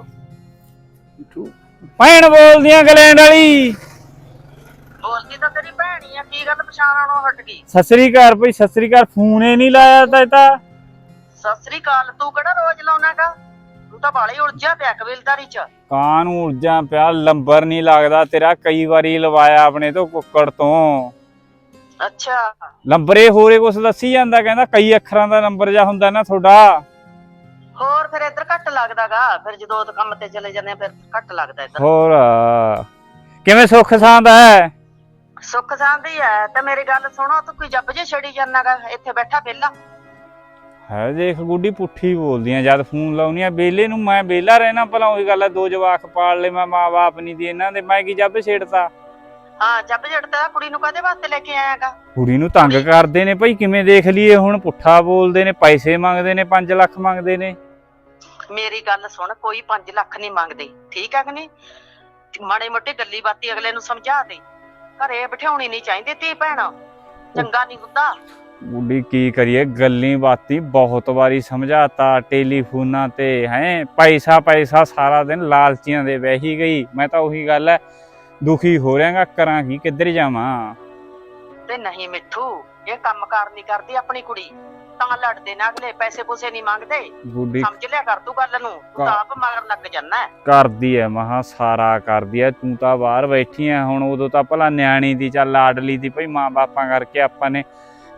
A: ਭੈਣ ਬੋਲਦੀਆਂ ਇੰਗਲੈਂਡ ਵਾਲੀ।
D: ਬੋਲਦੀ ਤਾਂ ਤੇਰੀ ਭੈਣ ਹੀ ਆ, ਕੀ ਗੱਲ ਪਛਾਣ ਆਣੋਂ ਹਟ ਗਈ?
A: ਸਤਿ ਸ੍ਰੀ ਅਕਾਲ ਭਾਈ, ਸਤਿ ਸ੍ਰੀ ਅਕਾਲ। ਫੋਨ ਹੀ ਨਹੀਂ ਲਾਇਆ ਤਾਂ ਇਹ ਤਾਂ।
D: ਸਤਿ ਸ੍ਰੀ ਅਕਾਲ, ਤੂੰ ਕਿਹੜਾ ਰੋਜ਼ ਲਾਉਣਾਗਾ? ਤੂੰ ਤਾਂ ਬਾਲੀ ਉਲਝਿਆ ਪਿਆ ਕਬੀਲਦਾਰੀ ਚ।
A: ਕਾਂ ਨੂੰ ਉਰਜਾ ਪਿਆ, ਲੰਬਰ ਨਹੀਂ ਲੱਗਦਾ ਤੇਰਾ। ਕਈ ਵਾਰੀ ਲਵਾਇਆ ਆਪਣੇ ਤੋਂ ਕੁੱਕੜ ਤੋਂ।
D: ਅੱਛਾ
A: ਲੰਬਰੇ ਹੋਰੇ ਕੁਛ ਦੱਸੀ ਜਾਂਦਾ, ਕਹਿੰਦਾ ਕਈ ਅੱਖਰਾਂ ਦਾ ਨੰਬਰ ਜਾ ਹੁੰਦਾ ਨਾ ਤੁਹਾਡਾ।
D: ਹੋਰ ਫਿਰ ਇੱਧਰ ਘੱਟ ਲੱਗਦਾਗਾ, ਫਿਰ ਜਦੋਂ ਉਹ ਕੰਮ ਤੇ ਚਲੇ ਜਾਂਦੇ ਆ ਫਿਰ ਘੱਟ ਲੱਗਦਾ ਇੱਧਰ।
A: ਹੋਰ ਕਿਵੇਂ ਸੁੱਖ ਸਾਂਦ ਹੈ?
D: ਸੁੱਖ ਸਾਂਦੀ ਐ। ਤੇ ਮੇਰੀ ਗੱਲ ਸੁਣੋ, ਤੂੰ ਕੋਈ ਜੱਬ ਜੇ ਛੜੀ ਜਾਨਾਗਾ ਇੱਥੇ ਬੈਠਾ ਵਿਹਲਾ?
A: ਹੈ ਦੇਖ ਗੁੱਡੀ ਪੁੱਠੀ ਬੋਲਦੀਆਂ ਜਦ ਫੋਨ ਲਾਉਣੀਆਂ ਬੇਲੇ ਨੂੰ। ਮੈਂ ਬੇਲਾ ਰਹਿਣਾ ਭਲਾ, ਉਹੀ ਗੱਲ ਹੈ, ਦੋ ਜਵਾਕ ਪਾਲ ਲੈ ਮੈਂ, ਮਾਂ ਬਾਪ ਨਹੀਂ ਦੀ ਇਹਨਾਂ ਦੇ, ਮੈਂ ਕੀ ਜੱਬ ਛੇੜਤਾ?
D: ਹਾਂ ਜੱਬ ਜੜਦਾ। ਕੁੜੀ ਨੂੰ ਕਾਹਦੇ ਵਾਸਤੇ ਲੈ ਕੇ ਆਇਆਗਾ?
A: ਕੁੜੀ ਨੂੰ ਤੰਗ ਕਰਦੇ ਨੇ ਭਾਈ, ਕਿਵੇਂ ਦੇਖ ਲਈਏ ਹੁਣ? ਪੁੱਠਾ ਬੋਲਦੇ ਨੇ, ਪੈਸੇ ਮੰਗਦੇ ਨੇ, ਪੰਜ ਲੱਖ ਮੰਗਦੇ ਨੇ।
D: ਮੇਰੀ ਗੱਲ ਸੁਣ, ਕੋਈ ਪੰਜ ਲੱਖ ਨਹੀਂ ਮੰਗਦੇ, ਠੀਕ ਹੈ ਕਿ ਨਹੀਂ? ਮਾੜੇ ਮੋਟੇ ਗੱਲੀ ਬਾਤੀ ਅਗਲੇ ਨੂੰ ਸਮਝਾ ਦੇ, ਘਰੇ ਬਿਠਾਉਣੀ ਨਹੀਂ ਚਾਹੀਦੀ ਧੀ ਭੈਣ, ਚੰਗਾ ਨਹੀਂ ਹੁੰਦਾ।
A: ਗੁੱਡੀ ਕੀ ਕਰੀਏ, ਗੱਲੀ ਬਾਤੀ ਬਹੁਤ ਵਾਰੀ ਸਮਝਾਤਾ ਟੈਲੀਫੋਨਾਂ ਤੇ ਹੈ। ਪੈਸਾ ਪੈਸਾ ਸਾਰਾ ਦਿਨ ਲਾਲਚੀਆਂ ਦੇ ਵਹਿ ਗਈ। ਮੈਂ ਤਾਂ ਉਹੀ ਗੱਲ ਹੈ, ਦੁਖੀ ਹੋ ਰਿਹਾਗਾ, ਕਰਾਂ ਕੀ, ਕਿੱਧਰ ਜਾਵਾਂ?
D: ਤੇ ਨਹੀਂ ਮਿੱਠੂ, ਇਹ ਕੰਮ ਕਾਰ ਨਹੀਂ ਕਰਦੀ ਆਪਣੀ ਕੁੜੀ, ਤਾਂ ਲੜਦੇ ਨਾ ਅਗਲੇ, ਪੈਸੇ ਪੂਸੇ ਨਹੀਂ ਮੰਗਦੇ।
A: ਗੁੱਡੀ
D: ਸਮਝ ਲਿਆ ਕਰ ਤੂੰ ਗੱਲ ਨੂੰ, ਤੂੰ ਤਾਂ ਆਪ ਮਗਰ ਲੱਗ ਜਾਨਾ ਹੈ।
A: ਕਰਦੀ ਐ ਮਹਾ, ਸਾਰਾ ਕਰਦੀ ਐ। ਤੂੰ ਤਾਂ ਬਾਹਰ ਬੈਠੀ ਐ ਹੁਣ, ਉਦੋਂ ਤਾਂ ਭਲਾ ਨਿਆਣੀ ਦੀ ਚੱਲ ਲਾਡਲੀ ਦੀ ਭਾਈ, ਮਾਂ ਬਾਪਾਂ ਕਰਕੇ ਆਪਾਂ ਨੇ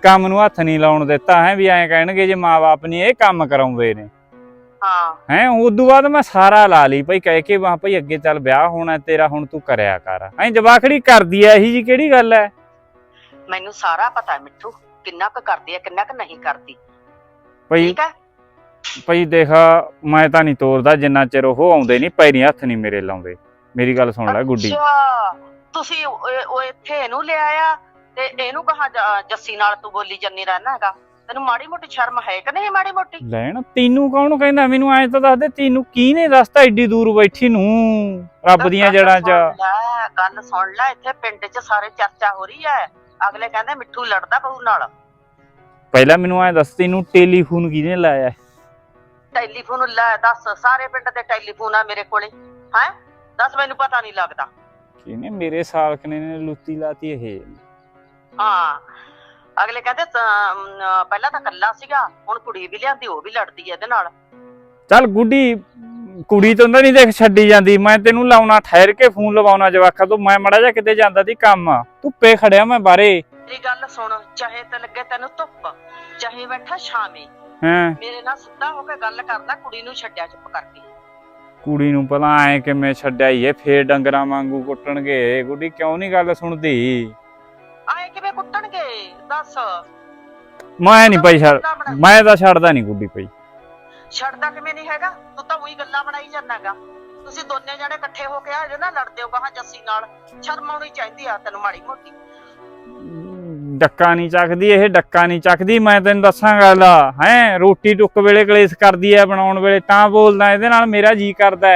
A: ਕੰਮ ਨੂੰ ਹੱਥ ਨਹੀਂ ਲਾਉਣ ਦਿੱਤਾ ਹੈ ਵੀ ਐਂ ਕਹਿਣਗੇ ਜੇ ਮਾਂ-ਬਾਪ ਨਹੀਂ ਇਹ ਕੰਮ ਕਰਾਉਂਦੇ ਨੇ
D: ਹਾਂ
A: ਹੈ। ਉਦੋਂ ਬਾਅਦ ਮੈਂ ਸਾਰਾ ਲਾ ਲਈ ਭਾਈ, ਕਹਿ ਕੇ ਵਾਂ ਭਾਈ ਅੱਗੇ ਚੱਲ ਵਿਆਹ ਹੋਣਾ ਤੇਰਾ, ਹੁਣ ਤੂੰ ਕਰਿਆ ਕਰ। ਐਂ ਜਵਾਖੜੀ ਕਰਦੀ ਐ ਇਹੀ ਜੀ ਕਿਹੜੀ ਗੱਲ ਐ?
D: ਮੈਨੂੰ ਸਾਰਾ ਪਤਾ ਮਿੱਠੂ, ਕਿੰਨਾ ਕੁ ਕਰਦੀ ਆ ਕਿੰਨਾ ਕੁ ਨਹੀਂ ਕਰਦੀ।
A: ਭਾਈ
D: ਠੀਕ ਹੈ
A: ਭਾਈ ਦੇਖ, ਮੈਂ ਤਾਂ ਨਹੀਂ ਤੋਰਦਾ ਜਿੰਨਾ ਚਿਰ ਉਹ ਆਉਂਦੇ ਨਹੀਂ, ਪੈਰੀ ਹੱਥ ਨਹੀਂ ਮੇਰੇ ਲਾਉਂਦੇ। ਮੇਰੀ ਗੱਲ ਸੁਣ ਲੈ ਗੁੱਡੀ।
D: ਅੱਛਾ ਤੁਸੀਂ ਉਹ ਉਹ ਇੱਥੇ ਇਹਨੂੰ ਲਿਆਇਆ ਤੇ ਇਹਨੂੰ ਕਹਾ ਜੱਸੀ ਨਾਲ ਤੂੰ ਬੋਲੀ ਜੰਨੀ ਰਹਿਣਾ ਹੈਗਾ। ਤੈਨੂੰ ਮਾੜੀ ਮੋਟੀ ਸ਼ਰਮ ਹੈ ਕਿ ਨਹੀਂ? ਮਾੜੀ ਮੋਟੀ
A: ਲੈਣ ਤੈਨੂੰ ਕੌਣ ਕਹਿੰਦਾ? ਮੈਨੂੰ ਐਂ ਤਾਂ ਦੱਸ ਦੇ, ਤੈਨੂੰ ਕਿਹਨੇ ਦੱਸਤਾ ਏਡੀ ਦੂਰ ਬੈਠੀ ਨੂੰ ਰੱਬ ਦੀਆਂ ਜੜਾਂ 'ਚ?
D: ਗੱਲ ਸੁਣ ਲੈ, ਇੱਥੇ ਪਿੰਡ 'ਚ ਸਾਰੇ ਚਰਚਾ ਹੋ ਰਹੀ ਹੈ। ਅਗਲੇ ਕਹਿੰਦੇ ਮਿੱਠੂ ਲੜਦਾ ਬਹੂ ਨਾਲ।
A: ਪਹਿਲਾਂ ਮੈਨੂੰ ਐਂ ਦੱਸ, ਤੈਨੂੰ ਟੈਲੀਫੋਨ ਕਿਹਨੇ ਲਾਇਆ?
D: ਟੈਲੀਫੋਨ ਲੈ ਦੱਸ, ਸਾਰੇ ਪਿੰਡ ਦੇ ਟੈਲੀਫੋਨ ਆ ਮੇਰੇ ਕੋਲੇ। ਹੈ ਦੱਸ, ਮੈਨੂੰ ਪਤਾ ਨਹੀਂ ਲੱਗਦਾ।
A: ਕਿਹਨੇ? ਮੇਰੇ ਸਾਲਕਨੇ ਨੇ ਲੁੱਤੀ ਲਾਤੀ ਇਹ।
D: ਹਾਂ ਅਗਲੇ ਕਹਿੰਦੇ ਪਹਿਲਾਂ ਤਾਂ ਕੱਲਾ ਸੀਗਾ, ਹੁਣ ਕੁੜੀ ਵੀ ਲਿਆਂਦੀ, ਉਹ ਵੀ ਲੜਦੀ ਐ ਇਹਦੇ ਨਾਲ।
A: ਚੱਲ ਗੁੱਡੀ, ਕੁੜੀ ਤੋਂ ਤਾਂ ਨਹੀਂ ਦੇਖ ਛੱਡੀ ਜਾਂਦੀ। ਮੈਂ ਤੈਨੂੰ ਲਾਉਣਾ, ਠਹਿਰ ਕੇ ਫੋਨ ਲਵਾਉਣਾ ਜਵਾਖਾਂ ਤੋਂ। ਮੈਂ ਮੜਾ ਜਾ ਕਿਤੇ ਜਾਂਦਾ ਦੀ ਕੰਮ, ਧੁੱਪੇ ਖੜਿਆ ਮੈਂ ਬਾਹਰੇ।
D: ਮੇਰੀ ਗੱਲ ਸੁਣ, ਚਾਹੇ ਤੇ ਲੱਗੇ ਤੈਨੂੰ ਧੁੱਪ, ਚਾਹੇ ਬੈਠਾ ਛਾਵੇਂ,
A: ਹੈਂ
D: ਮੇਰੇ ਨਾਲ ਸਿੱਧਾ ਹੋ ਕੇ ਗੱਲ ਕਰਦਾ। ਕੁੜੀ ਨੂੰ ਛੱਡਿਆ ਚੁੱਪ ਕਰਕੇ।
A: ਕੁੜੀ ਨੂੰ ਭਲਾ ਐ ਕਿਵੇਂ ਛੱਡਿਆ ਈ? ਫੇਰ ਡੰਗਰਾਂ ਵਾਂਗੂ ਕੁੱਟਣਗੇ। ਗੁੱਡੀ ਕਿਉਂ ਨਹੀਂ ਗੱਲ ਸੁਣਦੀ?
D: ਆਏ ਕਿਵੇਂ ਕੁੱਟਣਗੇ ਦੱਸ?
A: ਮੈਂ ਨਹੀਂ ਭਾਈ ਛੱਡ, ਮੈਂ ਤਾਂ ਛੱਡਦਾ ਨਹੀਂ ਗੁੱਡੀ ਭਾਈ।
D: ਛੱਡਦਾ ਕਿਵੇਂ ਨਹੀਂ ਹੈਗਾ? ਤੂੰ ਤਾਂ ਉਹੀ ਗੱਲਾਂ ਬਣਾਈ ਜਾਂਦਾਗਾ। ਤੁਸੀਂ ਦੋਨੇ ਜਣੇ ਇਕੱਠੇ ਹੋ ਕੇ ਆ ਇਹਦੇ ਨਾਲ ਲੜਦੇ ਹੋ ਕਹਾ ਜੱਸੀ ਨਾਲ। ਸ਼ਰਮ ਆਉਣੀ ਚਾਹੀਦੀ ਆ ਤੈਨੂੰ ਮਾੜੀ ਮੋਟੀ।
A: ਡੱਕਾ ਨਹੀਂ ਚੱਕਦੀ ਇਹ, ਡੱਕਾ ਨਹੀਂ ਚੱਕਦੀ। ਮੈਂ ਤੈਨੂੰ ਦੱਸਾਂ ਗੱਲ, ਹੈ ਰੋਟੀ ਟੁੱਕ ਵੇਲੇ ਕਲੇਸ਼ ਕਰਦੀ ਐ, ਬਣਾਉਣ ਵੇਲੇ ਤਾਂ ਬੋਲਦਾ ਇਹਦੇ ਨਾਲ ਮੇਰਾ ਜੀ ਕਰਦਾ।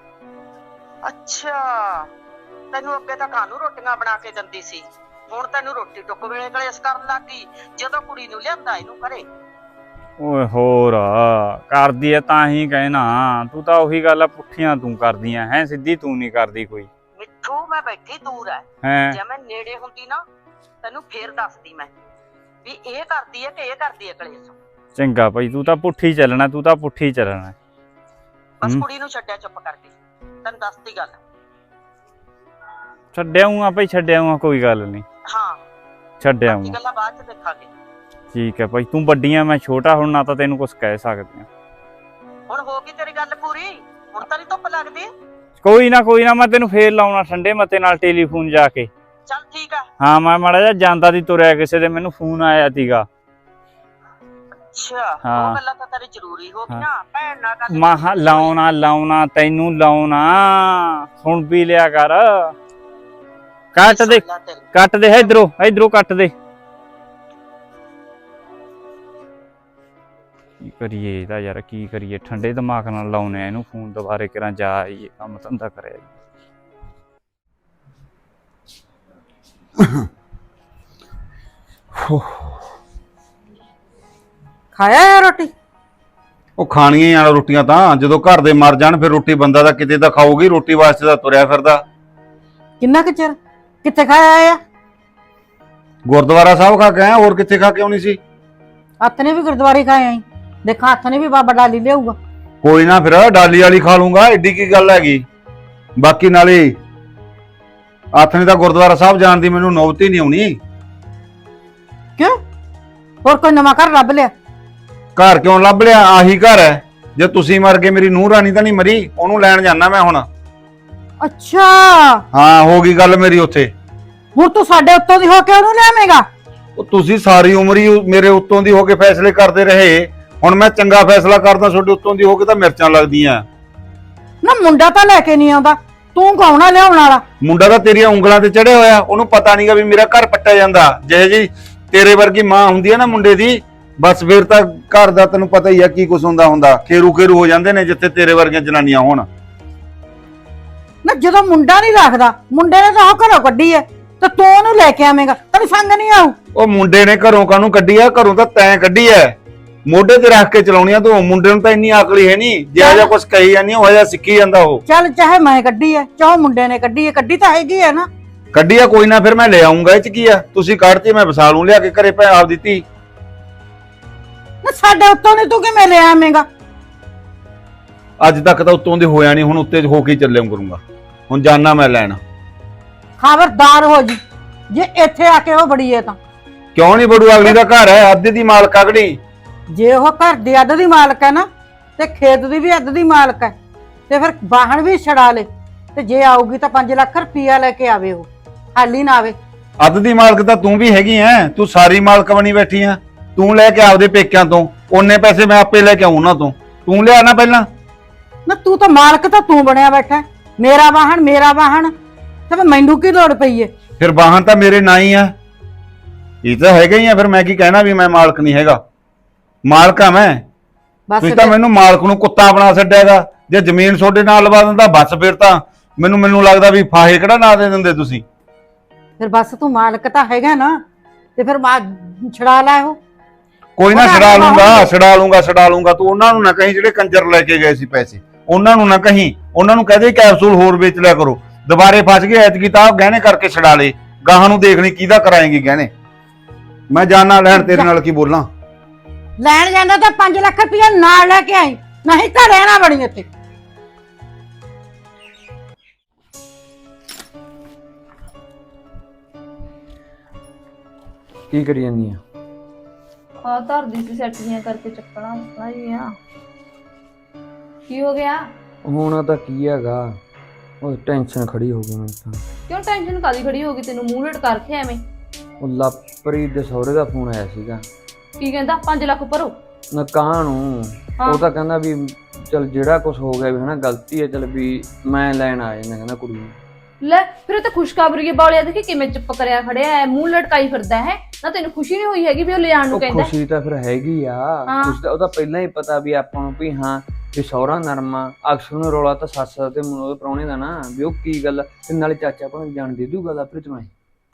D: ਅੱਛਾ ਤੈਨੂੰ ਅੱਗੇ ਤਾਂ ਕਾਹਨੂੰ ਰੋਟੀਆਂ ਬਣਾ ਕੇ ਦਿੰਦੀ ਸੀ, ਹੁਣ ਤੈਨੂੰ ਰੋਟੀ ਟੁੱਕ ਵੇਲੇ ਕਲੇਸ਼ ਕਰਨ ਲੱਗ ਗਈ ਜਦੋਂ ਕੁੜੀ ਨੂੰ ਲਿਆਂਦਾ ਇਹਨੂੰ ਘਰੇ।
A: ਓਏ ਹੋਰ ਕਰਦੀ ਐ ਤਾਂ ਹੀ ਕਹਿਣਾ। ਤੂੰ ਤਾਂ ਉਹੀ ਗੱਲ ਆ, ਪੁੱਠੀਆਂ ਤੂੰ ਕਰਦੀਆਂ ਹੈ, ਸਿੱਧੀ ਤੂੰ ਨਹੀਂ ਕਰਦੀ ਕੋਈ।
D: ਮਿੱਠੂ ਮੈਂ ਬੈਠੀ ਦੂਰ ਐ,
A: ਹੈ
D: ਜੇ ਮੈਂ ਨੇੜੇ ਹੁੰਦੀ ਨਾ ਤੈਨੂੰ ਫੇਰ ਦੱਸਦੀ ਮੈਂ ਵੀ ਇਹ ਕਰਦੀ ਐ ਕਿ ਇਹ ਕਰਦੀ ਐ ਕਲੇਸ਼।
A: ਚੰਗਾ ਭਾਈ, ਤੂੰ ਤਾਂ ਪੁੱਠੀ ਚੱਲਣਾ, ਤੂੰ ਤਾਂ ਪੁੱਠੀ ਚੱਲਣਾ।
D: ਬਸ ਕੁੜੀ ਨੂੰ ਛੱਡਿਆ ਚੁੱਪ ਕਰਕੇ, ਤੈਨੂੰ ਦੱਸਦੀ ਗੱਲ।
A: ਛੱਡਿਆ ਹੂੰ ਆ ਭਾਈ, ਛੱਡਿਆ ਹੂੰ ਆ, ਕੋਈ ਗੱਲ ਨਹੀਂ,
D: ਹਾਂ
A: ਛੱਡਿਆ
D: ਬਾਕੀ
A: ਹੂੰ।
D: ਗੱਲਾਂ ਬਾਅਦ ਚ ਦੇਖਾਂਗੇ।
A: ਠੀਕ ਹੈ ਭਾਈ, ਤੂੰ ਵੱਡੀਆਂ ਮੈਂ ਛੋਟਾ, ਹੁਣ ਨਾ ਤਾਂ ਤੈਨੂੰ ਕੁਝ ਕਹਿ ਸਕਦੇ ਆ।
D: ਹੁਣ ਹੋ ਗਈ ਤੇਰੀ ਗੱਲ ਪੂਰੀ, ਹੁਣ ਤਾਂ ਨਹੀਂ ਧੁੱਪ ਲੱਗਦੀ।
A: ਕੋਈ ਨਾ ਕੋਈ ਨਾ, ਮੈਂ ਤੈਨੂੰ ਫੇਰ ਲਾਉਣਾ ਠੰਡੇ ਮੱਤੇ ਨਾਲ ਟੈਲੀਫੋਨ ਜਾ ਕੇ।
D: ਚੱਲ ਠੀਕ ਆ।
A: ਹਾਂ ਮੈਂ ਮਾੜਾ ਜਿਹਾ ਜਾਂਦਾ ਦੀ ਤੁਰਿਆ, ਕਿਸੇ ਦੇ ਮੈਨੂੰ ਫੋਨ ਆਇਆ ਸੀਗਾ।
D: ਅੱਛਾ
A: ਹਾਂ।
D: ਉਹ ਗੱਲਾਂ ਤਾਂ ਤੇਰੀ ਜ਼ਰੂਰੀ ਹੋ ਗਈ ਨਾ, ਭੈਣ ਨਾਲ ਗੱਲ
A: ਮਾਹ ਲਾਉਣਾ ਲਾਉਣਾ ਤੈਨੂੰ ਲਾਉਣਾ, ਸੁਣ ਵੀ ਲਿਆ ਕਰ। ਕੱਟ ਦੇ ਕੱਟ ਦੇ, ਇਧਰੋਂ ਇਧਰੋਂ ਕੱਟ ਦੇ। ਕੀ ਕਰੀਏ ਇਹਦਾ ਯਾਰ, ਕੀ ਕਰੀਏ? ਠੰਡੇ ਦਿਮਾਗ ਨਾਲ ਲਾਉਨੇ ਆ ਇਹਨੂੰ ਫੋਨ, ਦੁਬਾਰੇ ਕਿਰਾਂ ਜਾ ਆਈਏ, ਕੰਮ ਧੰਦਾ ਕਰਿਆ।
G: ਖਾਇਆ ਯਾਰ ਰੋਟੀ?
F: ਉਹ ਖਾਣੀਆਂ ਯਾਰ ਰੋਟੀਆਂ ਤਾਂ, ਜਦੋਂ ਘਰ ਦੇ ਮਰ ਜਾਣ ਫਿਰ ਰੋਟੀ ਬੰਦਾ ਤਾਂ ਕਿਤੇ ਤਾਂ ਖਾਊਗੀ। ਰੋਟੀ ਵਾਸਤੇ ਤਾਂ ਤੁਰਿਆ ਫਿਰਦਾ।
G: ਕਿੰਨਾ ਕੁ ਚਿਰ? ਕਿੱਥੇ ਖਾਇਆ ਆ?
F: ਗੁਰਦੁਆਰਾ ਸਾਹਿਬ ਖਾ ਕੇ ਆਇਆ, ਹੋਰ ਕਿੱਥੇ ਖਾ ਕੇ ਆਉਣੀ ਸੀ?
G: ਹੱਥ ਨੇ ਵੀ ਗੁਰਦੁਆਰੇ ਖਾਏ ਆਈ, ਦੇਖਾਂ ਹੱਥ ਨੇ ਵੀ ਬਾਬਾ ਡਾਲੀ ਲਿਆਊਗਾ।
F: ਕੋਈ ਨਾ ਫਿਰ ਡਾਲੀ ਵਾਲੀ ਖਾ ਲੂੰਗਾ, ਏਡੀ ਕੀ ਗੱਲ ਹੈਗੀ। ਬਾਕੀ ਨਾਲੇ ਹੱਥ ਨੇ ਤਾਂ ਗੁਰਦੁਆਰਾ ਸਾਹਿਬ ਜਾਣ ਦੀ ਮੈਨੂੰ ਨੌਬਤ ਹੀ ਨਹੀਂ ਆਉਣੀ।
G: ਕਿਉਂ? ਹੋਰ ਕੋਈ ਨਵਾਂ ਘਰ ਲੱਭ ਲਿਆ?
F: ਘਰ ਕਿਉਂ ਲੱਭ ਲਿਆ? ਆਹੀ ਘਰ ਹੈ। ਜੇ ਤੁਸੀਂ ਮਰ ਗਏ, ਮੇਰੀ ਨੂੰਹ ਰਾਣੀ ਤਾਂ ਨਹੀਂ ਮਰੀ, ਉਹਨੂੰ ਲੈਣ ਜਾਣਾ ਮੈਂ ਹੁਣ।
G: ਅੱਛਾ
F: ਹਾਂ ਹੋ ਗਈ ਗੱਲ ਮੇਰੀ ਉੱਥੇ।
G: ਹੁਣ ਤੂੰ ਸਾਡੇ ਉੱਤੋਂ ਦੀ ਹੋ ਕੇ ਉਹਨੂੰ ਲਿਆਵੇਂਗਾ?
F: ਉਹ ਤੁਸੀਂ ਸਾਰੀ ਉਮਰ ਹੀ ਮੇਰੇ ਉੱਤੋਂ ਦੀ ਹੋ ਕੇ ਫੈਸਲੇ ਕਰਦੇ ਰਹੇ, ਹੁਣ ਮੈਂ ਚੰਗਾ ਫੈਸਲਾ ਕਰਦਾ ਤੁਹਾਡੇ ਉੱਤੋਂ ਦੀ ਹੋ ਕੇ ਤਾਂ ਮਿਰਚਾਂ ਲੱਗਦੀਆਂ।
G: ਨਾ ਮੁੰਡਾ ਤਾਂ ਲੈ ਕੇ ਨਹੀਂ ਆਉਂਦਾ, ਤੂੰ ਕੌਣ ਆ ਲਿਆਉਣ ਵਾਲਾ?
F: ਮੁੰਡਾ ਤਾਂ ਤੇਰੀਆਂ ਉਂਗਲਾਂ ਤੇ ਚੜਿਆ ਹੋਇਆ, ਉਹਨੂੰ ਪਤਾ ਨਹੀਂਗਾ ਵੀ ਮੇਰਾ ਘਰ ਪੱਟਿਆ ਜਾਂਦਾ। ਜਿਹੇ ਜੀ ਤੇਰੇ ਵਰਗੀ ਮਾਂ ਹੁੰਦੀ ਹੈ ਨਾ ਮੁੰਡੇ ਦੀ, ਬਸ ਫਿਰ ਤਾਂ ਘਰ ਦਾ ਤੈਨੂੰ ਪਤਾ ਹੀ ਆ ਕੀ ਕੁਛ ਹੁੰਦਾ ਹੁੰਦਾ। ਖੇਰੂ ਖੇਰੂ ਹੋ ਜਾਂਦੇ ਨੇ ਜਿੱਥੇ ਤੇਰੇ ਵਰਗੀਆਂ ਜਨਾਨੀਆਂ ਹੋਣ।
G: ਨਾ ਜਦੋਂ ਮੁੰਡਾ ਨਹੀਂ ਰੱਖਦਾ, ਮੁੰਡੇ ਨੇ ਤਾਂ ਉਹ ਘਰੋਂ ਕੱਢੀ ਐ, ਤੇ ਤੂੰ ਉਹਨੂੰ ਲੈ ਕੇ ਆਵੇਂਗਾ? ਤੈਨੂੰ ਸੰਗ ਨਹੀਂ ਆਊ?
F: ਉਹ ਮੁੰਡੇ ਨੇ ਘਰੋਂ ਕਾਹਨੂੰ ਕੱਢੀ ਆ? ਘਰੋਂ ਤਾਂ ਤੈਂ ਕੱਢੀ ਐ, ਮੋਢੇ ਤੇ ਰੱਖ ਕੇ ਚਲਾਉਣੀ ਆ ਤੂੰ। ਮੁੰਡੇ ਨੂੰ ਤਾਂ ਇੰਨੀ ਅਕਲ ਹੀ ਹੈ ਨਹੀਂ, ਜਿਹੜਾ ਜਿਹਾ ਕੁਛ ਕਹੀ ਜਾਂਦੀ ਉਹ ਜਿਹਾ ਸਿੱਖੀ ਜਾਂਦਾ ਉਹ।
G: ਚੱਲ ਚਾਹੇ ਮੈਂ ਕੱਢੀ ਐ, ਚਾਹੇ ਮੁੰਡੇ ਨੇ ਕੱਢੀ ਐ, ਕੱਢੀ ਤਾਂ ਹੈਗੀ ਐ ਨਾ।
F: ਕੱਢੀ ਆ ਕੋਈ ਨਾ, ਫਿਰ ਮੈਂ ਲੈ ਆਉਂਗਾ। ਇਹ ਚ ਕੀ ਆ? ਤੁਸੀਂ ਕੱਢਤੀ, ਮੈਂ ਵਸਾ ਲੂੰ ਲਿਆ ਕੇ ਘਰੇ ਭੈ ਆਪ ਦਿੱਤੀ।
G: ਨਾ ਸਾਡੇ ਉੱਤੋਂ ਨਹੀਂ ਤੂੰ ਕਿਵੇਂ ਲੈ ਆਵੇਂਗਾ?
F: ਅੱਜ ਤੱਕ ਤਾਂ ਉੱਤੋਂ ਦੇ ਹੋਇਆ ਨਹੀਂ, ਹੁਣ ਉੱਤੇ ਹੋ ਕੇ ਚੱਲਿਆ ਕਰੂੰਗਾ। ਹੁਣ ਜਾਣਾ ਮੈਂ ਲੈਣ।
G: ਖਬਰਦਾਰ ਹੋ ਜੀ ਜੇ ਇੱਥੇ ਆ ਕੇ ਉਹ ਬੜੀ ਐ ਤਾਂ।
F: ਕਿਉਂ ਨਹੀਂ ਬੜੂ? ਅਗਲੀ ਦਾ ਘਰ ਹੈ, ਅੱਧੇ ਦੀ ਮਾਲਕ ਅਗਲੀ।
G: ਜੇ ਉਹ ਘਰ ਦੀ ਅੱਧ ਦੀ ਮਾਲਕ ਹੈ ਨਾ ਤੇ ਖੇਤ ਦੀ ਵੀ ਅੱਧ ਦੀ ਮਾਲਕ ਹੈ ਤੇ ਫਿਰ ਵਾਹਣ ਵੀ ਛੜਾ ਲੇ ਤੇ ਜੇ ਆਊਗੀ ਤਾਂ ਪੰਜ ਲੱਖ ਰੁਪਈਆ ਲੈ ਕੇ ਆਵੇ, ਉਹ ਖਾਲੀ ਨਾ ਆਵੇ।
F: ਅੱਧ ਦੀ ਮਾਲਕ ਤਾਂ ਤੂੰ ਵੀ ਹੈਗੀ ਐ, ਤੂੰ ਸਾਰੀ ਮਾਲਕ ਬਣੀ ਬੈਠੀ ਆ। ਤੂੰ ਲੈ ਕੇ ਆਪਦੇ ਪੇਕਿਆਂ ਤੋਂ ਉਹਨੇ ਪੈਸੇ ਮੈਂ ਆਪੇ ਲੈ ਕੇ ਆਉਂ ਉਹਨਾਂ ਤੋਂ। ਤੂੰ ਲਿਆ ਨਾ ਪਹਿਲਾਂ।
G: ਨਾ ਤੂੰ ਤਾਂ ਮਾਲਕ ਤਾਂ ਤੂੰ ਬਣਿਆ ਬੈਠਾ, ਮੇਰਾ ਵਾਹਣ ਮੇਰਾ ਵਾਹਣ ਤੇ ਫਿਰ ਮੈਨੂੰ ਕੀ ਲੋੜ ਪਈ ਏ?
F: ਫਿਰ ਵਾਹਨ ਤਾਂ ਮੇਰੇ ਨਾਂ ਹੀ ਆ, ਇਹ ਤਾਂ ਹੈਗਾ ਹੀ ਆ। ਫਿਰ ਮੈਂ ਕੀ ਕਹਿਣਾ ਵੀ ਮੈਂ ਮਾਲਕ ਨਹੀਂ ਹੈਗਾ? ਮਾਲਕ ਆ ਮੈਂ।
G: ਬਸ
F: ਤੁਸੀਂ ਤਾਂ ਮੈਨੂੰ ਮਾਲਕ ਨੂੰ ਕੁੱਤਾ ਬਣਾ ਛੱਡਿਆਗਾ। ਜੇ ਜ਼ਮੀਨ ਤੁਹਾਡੇ ਨਾਲ ਲਵਾ ਦਿੰਦਾ ਬਸ ਫਿਰ ਤਾਂ ਮੈਨੂੰ ਮੈਨੂੰ ਲੱਗਦਾ ਵੀ ਫਾਹੇ ਕਿਹੜਾ ਨਾ ਦੇ ਦਿੰਦੇ ਤੁਸੀਂ।
G: ਫਿਰ ਬਸ ਤੂੰ ਮਾਲਕ ਤਾਂ ਹੈਗਾ ਨਾ ਤੇ ਫਿਰ ਮਾ ਛੜਾ ਲੈ ਉਹ।
F: ਕੋਈ ਨਾ
G: ਉਹਦਾ
F: ਛਡਾ
G: ਆਪਣਾ
F: ਲੂੰਗਾ
G: ਹੋਊਗਾ।
F: ਛਡਾ ਲੂੰਗਾ ਛਡਾ ਲੂੰਗਾ। ਤੂੰ ਉਹਨਾਂ ਨੂੰ ਨਾ ਕਹੀਂ ਜਿਹੜੇ ਕੰਜਰ ਲੈ ਕੇ ਗਏ ਸੀ ਪੈਸੇ, ਉਹਨਾਂ ਨੂੰ ਨਾ ਕਹੀਂ। ਉਹਨਾਂ ਨੂੰ ਕਹਦੇ ਕੈਪਸੂਲ ਹੋਰ ਵੇਚ ਲਿਆ ਕਰੋ। ਦੁਬਾਰੇ ਫਸ ਗਏ ਐਤਕੀ ਤਾਂ ਗਹਿਣੇ ਕਰਕੇ ਛਡਾ ਲੇ। ਗਾਹਾਂ ਨੂੰ ਦੇਖ ਲਈ ਕਿਹਦਾ ਕਰਾਏਂਗੀ ਗਹਿਣੇ। ਮੈਂ ਜਾਣਾ ਲੈਣ, ਤੇਰੇ ਨਾਲ ਕੀ ਬੋਲਾਂ।
G: ਲੈਣ ਜਾਂਦਾ ਤਾਂ ਪੰਜ ਲੱਖ ਰੁਪਈਆ ਨਾਲ ਲੈ ਕੇ ਆਈ, ਨਹੀਂ ਤਾਂ ਰਹਿਣਾ ਬਣੀ ਇੱਥੇ।
H: ਕੀ ਕਰੀ ਜਾਂਦੀ ਆ?
B: ਆ ਧਰਦੀ ਸੀ ਸੈੱਟ ਜੀਆਂ ਕਰਕੇ ਚੱਕਣਾ ਚੱਕਣਾ ਜੀ ਆ। ਕੀ ਹੋ ਗਿਆ?
H: ਹੋਣਾ ਤਾਂ ਕੀ ਹੈਗਾ, ਉਹ ਟੈਨਸ਼ਨ ਖੜੀ ਹੋ ਗਈ ਮੈਨੂੰ ਤਾਂ।
B: ਕਿਉਂ ਟੈਨਸ਼ਨ ਕਾਦੀ ਖੜੀ ਹੋ ਗਈ ਤੈਨੂੰ? ਮੂੰਹ ਲਟ ਕਰਕੇ ਐਵੇਂ
H: ਉਹ ਲਵਪ੍ਰੀਤ ਦੇ ਸਹੁਰੇ ਦਾ ਫੋਨ ਆਇਆ ਸੀਗਾ।
B: ਕੀ ਕਹਿੰਦਾ? ਪੰਜ ਲੱਖ ਭਰੋ।
H: ਨਾ ਕਾਂ ਨੂੰ
B: ਹਾਂ।
H: ਉਹ ਤਾਂ ਕਹਿੰਦਾ ਵੀ ਚਲ ਜਿਹੜਾ ਕੁਝ ਹੋ ਗਿਆ ਵੀ ਹਨਾ ਗਲਤੀ ਹੈ, ਚਲ ਵੀ ਮੈਂ ਲੈਣ ਆ ਜਾਂਦਾ ਕਹਿੰਦਾ ਕੁੜੀ ਨੂੰ।
B: ਲੈ ਫਿਰ ਉਹ ਤਾਂ ਖੁਸ਼ਖਬਰੀ ਬਾਲਿਆ ਦੇਖੀ ਕਿਵੇਂ ਚੁੱਪ ਕਰਿਆ ਖੜਿਆ ਹੈ, ਮੂੰਹ ਲਟਕਾਈ ਫਿਰਦਾ ਹੈ ਨਾ। ਤੈਨੂੰ ਖੁਸ਼ੀ ਨਹੀਂ ਹੋਈ ਹੈਗੀ ਵੀ ਉਹ ਲਿਆਉਣ ਨੂੰ
H: ਉਹ
B: ਕਹਿੰਦਾ?
H: ਖੁਸ਼ੀ ਤਾਂ ਫਿਰ ਹੈਗੀ ਆ,
B: ਹਾਂ।
H: ਖੁਸ਼ੀ ਤਾਂ ਉਹਦਾ ਪਹਿਲਾਂ ਹੀ ਪਤਾ ਵੀ ਆਪਾਂ ਨੂੰ ਵੀ ਹਾਂ ਵੀ ਸਹੁਰਾ ਨਰਮਾ। ਅਕਸਰ ਨੂੰ ਰੌਲਾ ਤਾਂ ਸੱਸ ਤੇ ਉਹਦੇ ਪ੍ਰਾਹੁਣੇ ਦਾ ਨਾ ਵੀ ਉਹ ਕੀ ਗੱਲ ਤੇ ਨਾਲੇ ਚਾਚਾ ਆਪਾਂ ਨੂੰ ਜਾਣ ਦੇ ਦੂਗਾ ਲਵਪ੍ਰੀਤ ਨੂੰ।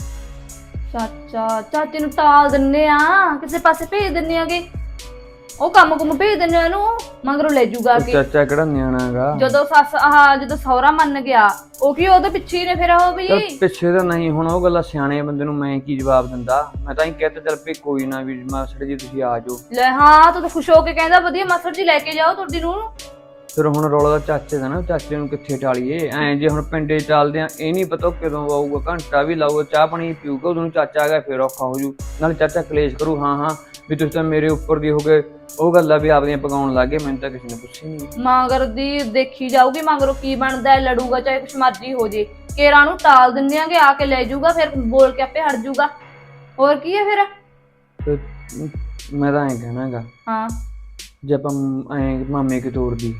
B: ਚਾਚਾ ਚਾਚੇ ਨੂੰ ਟਾਲ ਦਿੰਨੇ ਆ, ਕਿਸੇ ਪਾਸੇ ਭੇਜ ਦਿੰਨੇ ਆਗੇ। ਉਹ ਕੰਮ ਕੁਮ ਭੇਜ ਦਿੰਨੇ ਆ ਇਹਨੂੰ, ਮਗਰੋਂ ਲੈ ਜੂਗਾ
H: ਉਹ
B: ਕੇ।
H: ਚਾਚਾ ਕਿਹੜਾ ਨਿਆਣਾ ਹੈਗਾ?
B: ਜਦੋਂ ਸੱਸ ਆਹ ਜਦੋਂ ਸਹੁਰਾ ਮੰਨ ਗਿਆ ਉਹ ਕੀ ਉਹਦੇ ਪਿੱਛੇ ਹੀ ਨੇ ਫਿਰ ਉਹ ਵੀ।
H: ਚਲ ਪਿੱਛੇ ਤਾਂ ਨਹੀਂ, ਹੁਣ ਉਹ ਗੱਲਾਂ ਸਿਆਣੇ ਬੰਦੇ ਨੂੰ ਮੈਂ ਕੀ ਜਵਾਬ ਦਿੰਦਾ। ਮੈਂ ਤਾਂ ਹੀ ਕਹਿਤਾ ਚੱਲ ਵੀ ਕੋਈ ਨਾ ਵੀ ਮਾਸੜ ਜੀ ਤੁਸੀਂ ਆ ਜਾਓ।
B: ਲੈ ਹਾਂ ਤੂੰ ਤਾਂ ਖੁਸ਼ ਹੋ ਕੇ ਕਹਿੰਦਾ ਵਧੀਆ ਮਾਸੜ ਜੀ ਲੈ ਕੇ ਜਾਓ ਤੁਹਾਡੀ ਨੂੰ।
H: ਫਿਰ ਹੁਣ ਰੌਲਾ ਦਾ ਚਾਚੇ ਦਾ ਨਾ, ਚਾਚੇ ਨੂੰ ਕਿੱਥੇ ਟਾਲੀਏ ਐਂ। ਜੇ ਹੁਣ ਪਿੰਡੇ ਚੱਲਦੇ ਆ, ਇਹ ਨਹੀਂ ਪਤਾ ਕਦੋਂ ਆਊਗਾ, ਘੰਟਾ ਵੀ ਲਾਊਗਾ, ਚਾਹ ਪਾਣੀ ਪੀਊਗਾ, ਉਦੋਂ ਚਾਚਾ ਆ ਗਿਆ ਫਿਰ ਔਖਾ ਹੋ ਜੂ। ਨਾਲੇ ਚਾਚਾ ਕਲੇਸ਼ ਕਰੂ ਹਾਂ ਹਾਂ ਵੀ ਤੁਸੀਂ ਤਾਂ ਮੇਰੇ ਉੱਪਰ ਦੀ ਹੋ ਗਏ। ਉਹ ਗੱਲਾਂ ਵੀ ਆਪਦੀਆਂ ਪਕਾਉਣ ਲੱਗ ਗਏ, ਮੈਨੂੰ ਤਾਂ ਕਿਸੇ ਨੇ ਪੁੱਛੀ ਨਹੀਂ।
B: ਮਗਰ ਦੀ ਦੇਖੀ ਜਾਊਗੀ ਮਗਰੋਂ ਕੀ ਬਣਦਾ ਹੈ, ਲੜੂਗਾ ਚਾਹੇ ਕੁਛ ਮਰਜ਼ੀ ਹੋ ਜੇ। ਕੇਰਾਂ ਨੂੰ ਟਾਲ ਦਿੰਦੇ ਆਂਗੇ, ਆ ਕੇ ਲੈ ਜਾਊਗਾ, ਫਿਰ ਬੋਲ ਕੇ ਆਪੇ ਹਟ ਜਾਊਗਾ। ਹੋਰ ਕੀ ਹੈ ਫਿਰ?
H: ਤੇ ਮੈਂ ਤਾਂ ਐਂ ਕਹਿਣਾ ਹੈਗਾ,
B: ਹਾਂ
H: ਜੇ ਆਪਾਂ ਐਂ ਮਾਮੇ ਕੇ ਤੋਰਦੀ।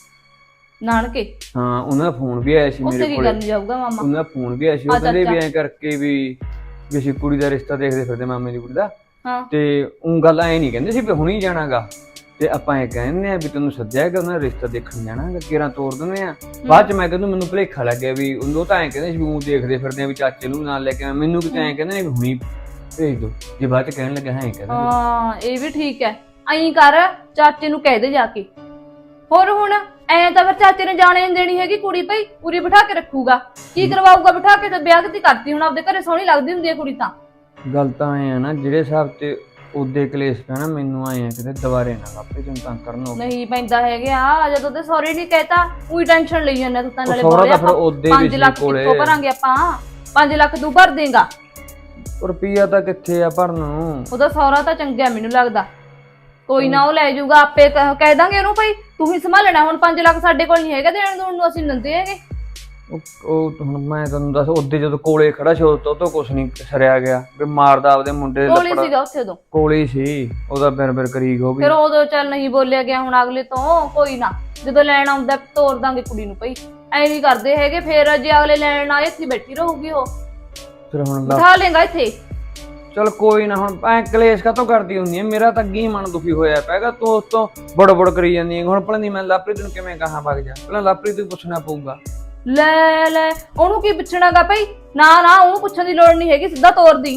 B: ਨਾਨਕੇ?
H: ਹਾਂ, ਉਹਨਾਂ ਦਾ ਫੋਨ ਵੀ ਆਇਆ ਸੀ
B: ਉੱਥੇ
H: ਮੇਰੇ
B: ਕੀ
H: ਕੋਲ।
B: ਕਰਨ ਜਾਊਗਾ ਮਾਮਾ?
H: ਉਹਨਾਂ ਦਾ ਫੋਨ ਵੀ ਆਇਆ ਸੀ, ਉਹ
B: ਆ
H: ਕਹਿੰਦੇ ਵੀ
B: ਚਾਚਾ।
H: ਐਂ ਕਰਕੇ ਵੀ ਵੀ ਅਸੀਂ ਕੁੜੀ ਦਾ ਰਿਸ਼ਤਾ ਦੇਖਦੇ ਫਿਰਦੇ, ਮਾਮੇ ਦੀ ਕੁੜੀ ਦਾ।
B: ਹਾਂ
H: ਤੇ ਉਹ ਗੱਲ ਐ ਨਹੀਂ ਕਹਿੰਦੇ ਸੀ ਵੀ ਹੁਣੀ ਜਾਣਾਗਾ, ਤੇ ਆਪਾਂ ਇਹ ਕਹਿੰਦੇ ਆ ਵੀ ਤੈਨੂੰ ਸੱਦਿਆ ਕਿ ਉਹਨਾਂ ਦਾ ਰਿਸ਼ਤਾ ਦੇਖਣ ਜਾਣਾਗਾ, ਕਿਰਾਂ ਤੋਰ ਦਿੰਦੇ ਆ। ਬਾਅਦ ਚ ਮੈਂ ਕਹਿੰਦਾ ਮੈਨੂੰ ਭੁਲੇਖਾ ਲੱਗਿਆ ਵੀ ਉਹ ਤਾਂ ਐਂ ਕਹਿੰਦੇ ਸੀ ਵੀ ਉਹ ਦੇਖਦੇ ਫਿਰਦੇ ਆ ਵੀ ਚਾਚੇ ਨੂੰ ਨਾਲ ਲੈ ਕੇ ਆਵਾਂ। ਮੈਨੂੰ ਕਿਤੇ ਐਂ ਕਹਿੰਦੇ ਨੇ ਵੀ ਹੁਣੀ ਭੇਜ ਦੋ। ਜੇ ਬਾਅਦ ਚ ਕਹਿਣ ਲੱਗਾ ਹਾਂ ਐਂ ਕਹਿੰਦਾ।
B: ਹਾਂ ਇਹ ਵੀ ਠੀਕ ਹੈ, ਐਂ ਕਰ ਚਾਚੇ ਨੂੰ ਕਹਿ ਦੇ ਜਾ ਕੇ। ਹੋਰ ਹੁਣ ਐਂ ਤਾਂ ਫਿਰ ਚਾਚੇ ਨੇ ਜਾਣੇ ਨਹੀਂ ਦੇਣੀ ਹੈਗੀ ਕੁੜੀ, ਭਾਈ ਪੂਰੀ ਬਿਠਾ ਕੇ ਰੱਖੂਗਾ। ਕੀ ਕਰਵਾਊਗਾ ਬਿਠਾ ਕੇ? ਤੇ ਵਿਆਹ ਕਿਤੇ ਕਰਤੀ ਹੁਣ, ਆਪਦੇ ਘਰੇ ਸੋਹਣੀ ਲੱਗਦੀ ਹੁੰਦੀ ਹੈ ਕੁੜੀ ਤਾਂ।
H: ਗੱਲ ਤਾਂ ਐ ਆ ਨਾ, ਜਿਹੜੇ ਹਿਸਾਬ ਤੇ ਉਹਦੇ ਕਲੇਸ਼ ਪੈਣਾ, ਮੈਨੂੰ ਆਏ ਆ ਕਿਤੇ ਦੁਬਾਰੇ ਨਾ ਆਪੇ ਤੈਨੂੰ ਤੰਗ ਕਰਨ ਹੋ।
B: ਨਹੀਂ ਪੈਂਦਾ ਹੈਗਾ, ਜਦੋਂ ਤੇ ਸੌਰੀ ਨਹੀਂ ਕਹਿਤਾ ਉਹੀ ਟੈਨਸ਼ਨ ਲਈ ਜਾਂਦਾ ਤੂੰ ਤਾਂ। ਨਾਲੇ
H: ਸਹੁਰਾ
B: ਬੋਲੇ
H: ਤਾਂ ਫਿਰ
B: ਆਪਾਂ
H: ਉਹਦੇ ਵੀ
B: ਪੰਜ ਲੱਖ
H: ਸੀ ਕੋਲੇ।
B: ਕਿੱਥੋਂ ਭਰਾਂਗੇ ਆਪਾਂ? ਪੰਜ ਲੱਖ ਤੂੰ ਭਰ ਦੇਂਗਾ?
H: ਰੁਪਈਆ ਤਾਂ ਕਿੱਥੇ ਆ ਭਰਨ ਨੂੰ।
B: ਉਹਦਾ ਸਹੁਰਾ ਤਾਂ ਚੰਗਾ ਮੈਨੂੰ ਲੱਗਦਾ, ਕੋਈ ਨਾ ਉਹ ਲੈ ਜਾਊਗਾ ਆਪੇ। ਕਹਿ ਕਹਿ ਦਾਂਗੇ ਉਹਨੂੰ ਭਾਈ ਤੂੰ ਹੀ ਸੰਭਾਲਣਾ ਹੁਣ, ਪੰਜ ਲੱਖ ਸਾਡੇ ਕੋਲ ਨਹੀਂ ਹੈਗਾ ਦੇਣ ਦੂਣ ਨੂੰ, ਅਸੀਂ ਨੰਦੇ ਹੈਗੇ।
H: ਉਹ ਉਹ ਹੁਣ ਮੈਂ ਤੁਹਾਨੂੰ ਦੱਸ, ਉਹਦੇ ਜਦੋਂ ਕੋਲੇ ਖੜਾ ਸੀ ਉਹ ਤੋਂ ਕੁਛ ਨਹੀਂ ਸਰਿਆ ਗਿਆ ਵੀ ਮਾਰਦਾ ਆਪਦੇ ਮੁੰਡੇ ਦੇ
B: ਕੋਲ ਹੀ
H: ਲੱਪੜ।
B: ਸੀਗਾ ਉੱਥੇ ਉਦੋਂ,
H: ਕੋਲੇ ਹੀ ਸੀ, ਉਹਦਾ ਬਿਰ ਬਿਰ ਕਰੀ ਹੋ ਵੀ।
B: ਫਿਰ ਉਦੋਂ ਚੱਲ ਨਹੀਂ ਬੋਲਿਆ ਗਿਆ, ਹੁਣ ਅਗਲੇ ਤੋਂ ਕੋਈ ਨਾ ਜਦੋਂ ਲੈਣ ਆਉਂਦਾ ਤੋਰ ਦਾਂਗੇ ਕੁੜੀ ਨੂੰ। ਭਾਈ ਐ ਨਹੀਂ ਕਰਦੇ ਹੈਗੇ, ਫਿਰ ਜੇ ਅਗਲੇ ਲੈਣ ਆਏ ਇੱਥੇ ਬੈਠੀ ਰਹੂਗੀ ਉਹ।
H: ਫਿਰ ਹੁਣ
B: ਬਿਠਾ ਲੇਗਾ ਇੱਥੇ।
H: ਚਲ ਕੋਈ ਨਾ, ਹੁਣ ਐ ਕਲੇਸ਼ ਕਾਤੋਂ ਕਰਦੀ ਹੁੰਦੀ ਹੈ? ਮੇਰਾ ਤਾਂ ਅੱਗੇ ਹੀ ਮਨ ਦੁਖੀ ਹੋਇਆ ਪੈਗਾ, ਤੂੰ ਉਸ ਤੋਂ ਬੜ ਬੜ ਕਰੀ ਜਾਂਦੀ ਹੈ। ਹੁਣ ਭਲਾ ਨਹੀਂ ਮੈਂ ਲਵਪ੍ਰੀਤ ਨੂੰ ਕਿਵੇਂ ਕਹਾਂ ਵਗ ਜਾ? ਪਹਿਲਾਂ ਲਵਪ੍ਰੀਤ ਨੂੰ ਪੁੱਛਣਾ ਪਊਗਾ।
B: ਲੈ ਲੈ ਉਹਨੂੰ ਕੀ ਪੁੱਛਣਾਗਾ ਭਾਈ? ਨਾ ਨਾ ਉਹਨੂੰ ਪੁੱਛਣ ਦੀ ਲੋੜ ਨਹੀਂ ਹੈਗੀ, ਸਿੱਧਾ ਤੋਰ ਦੀ।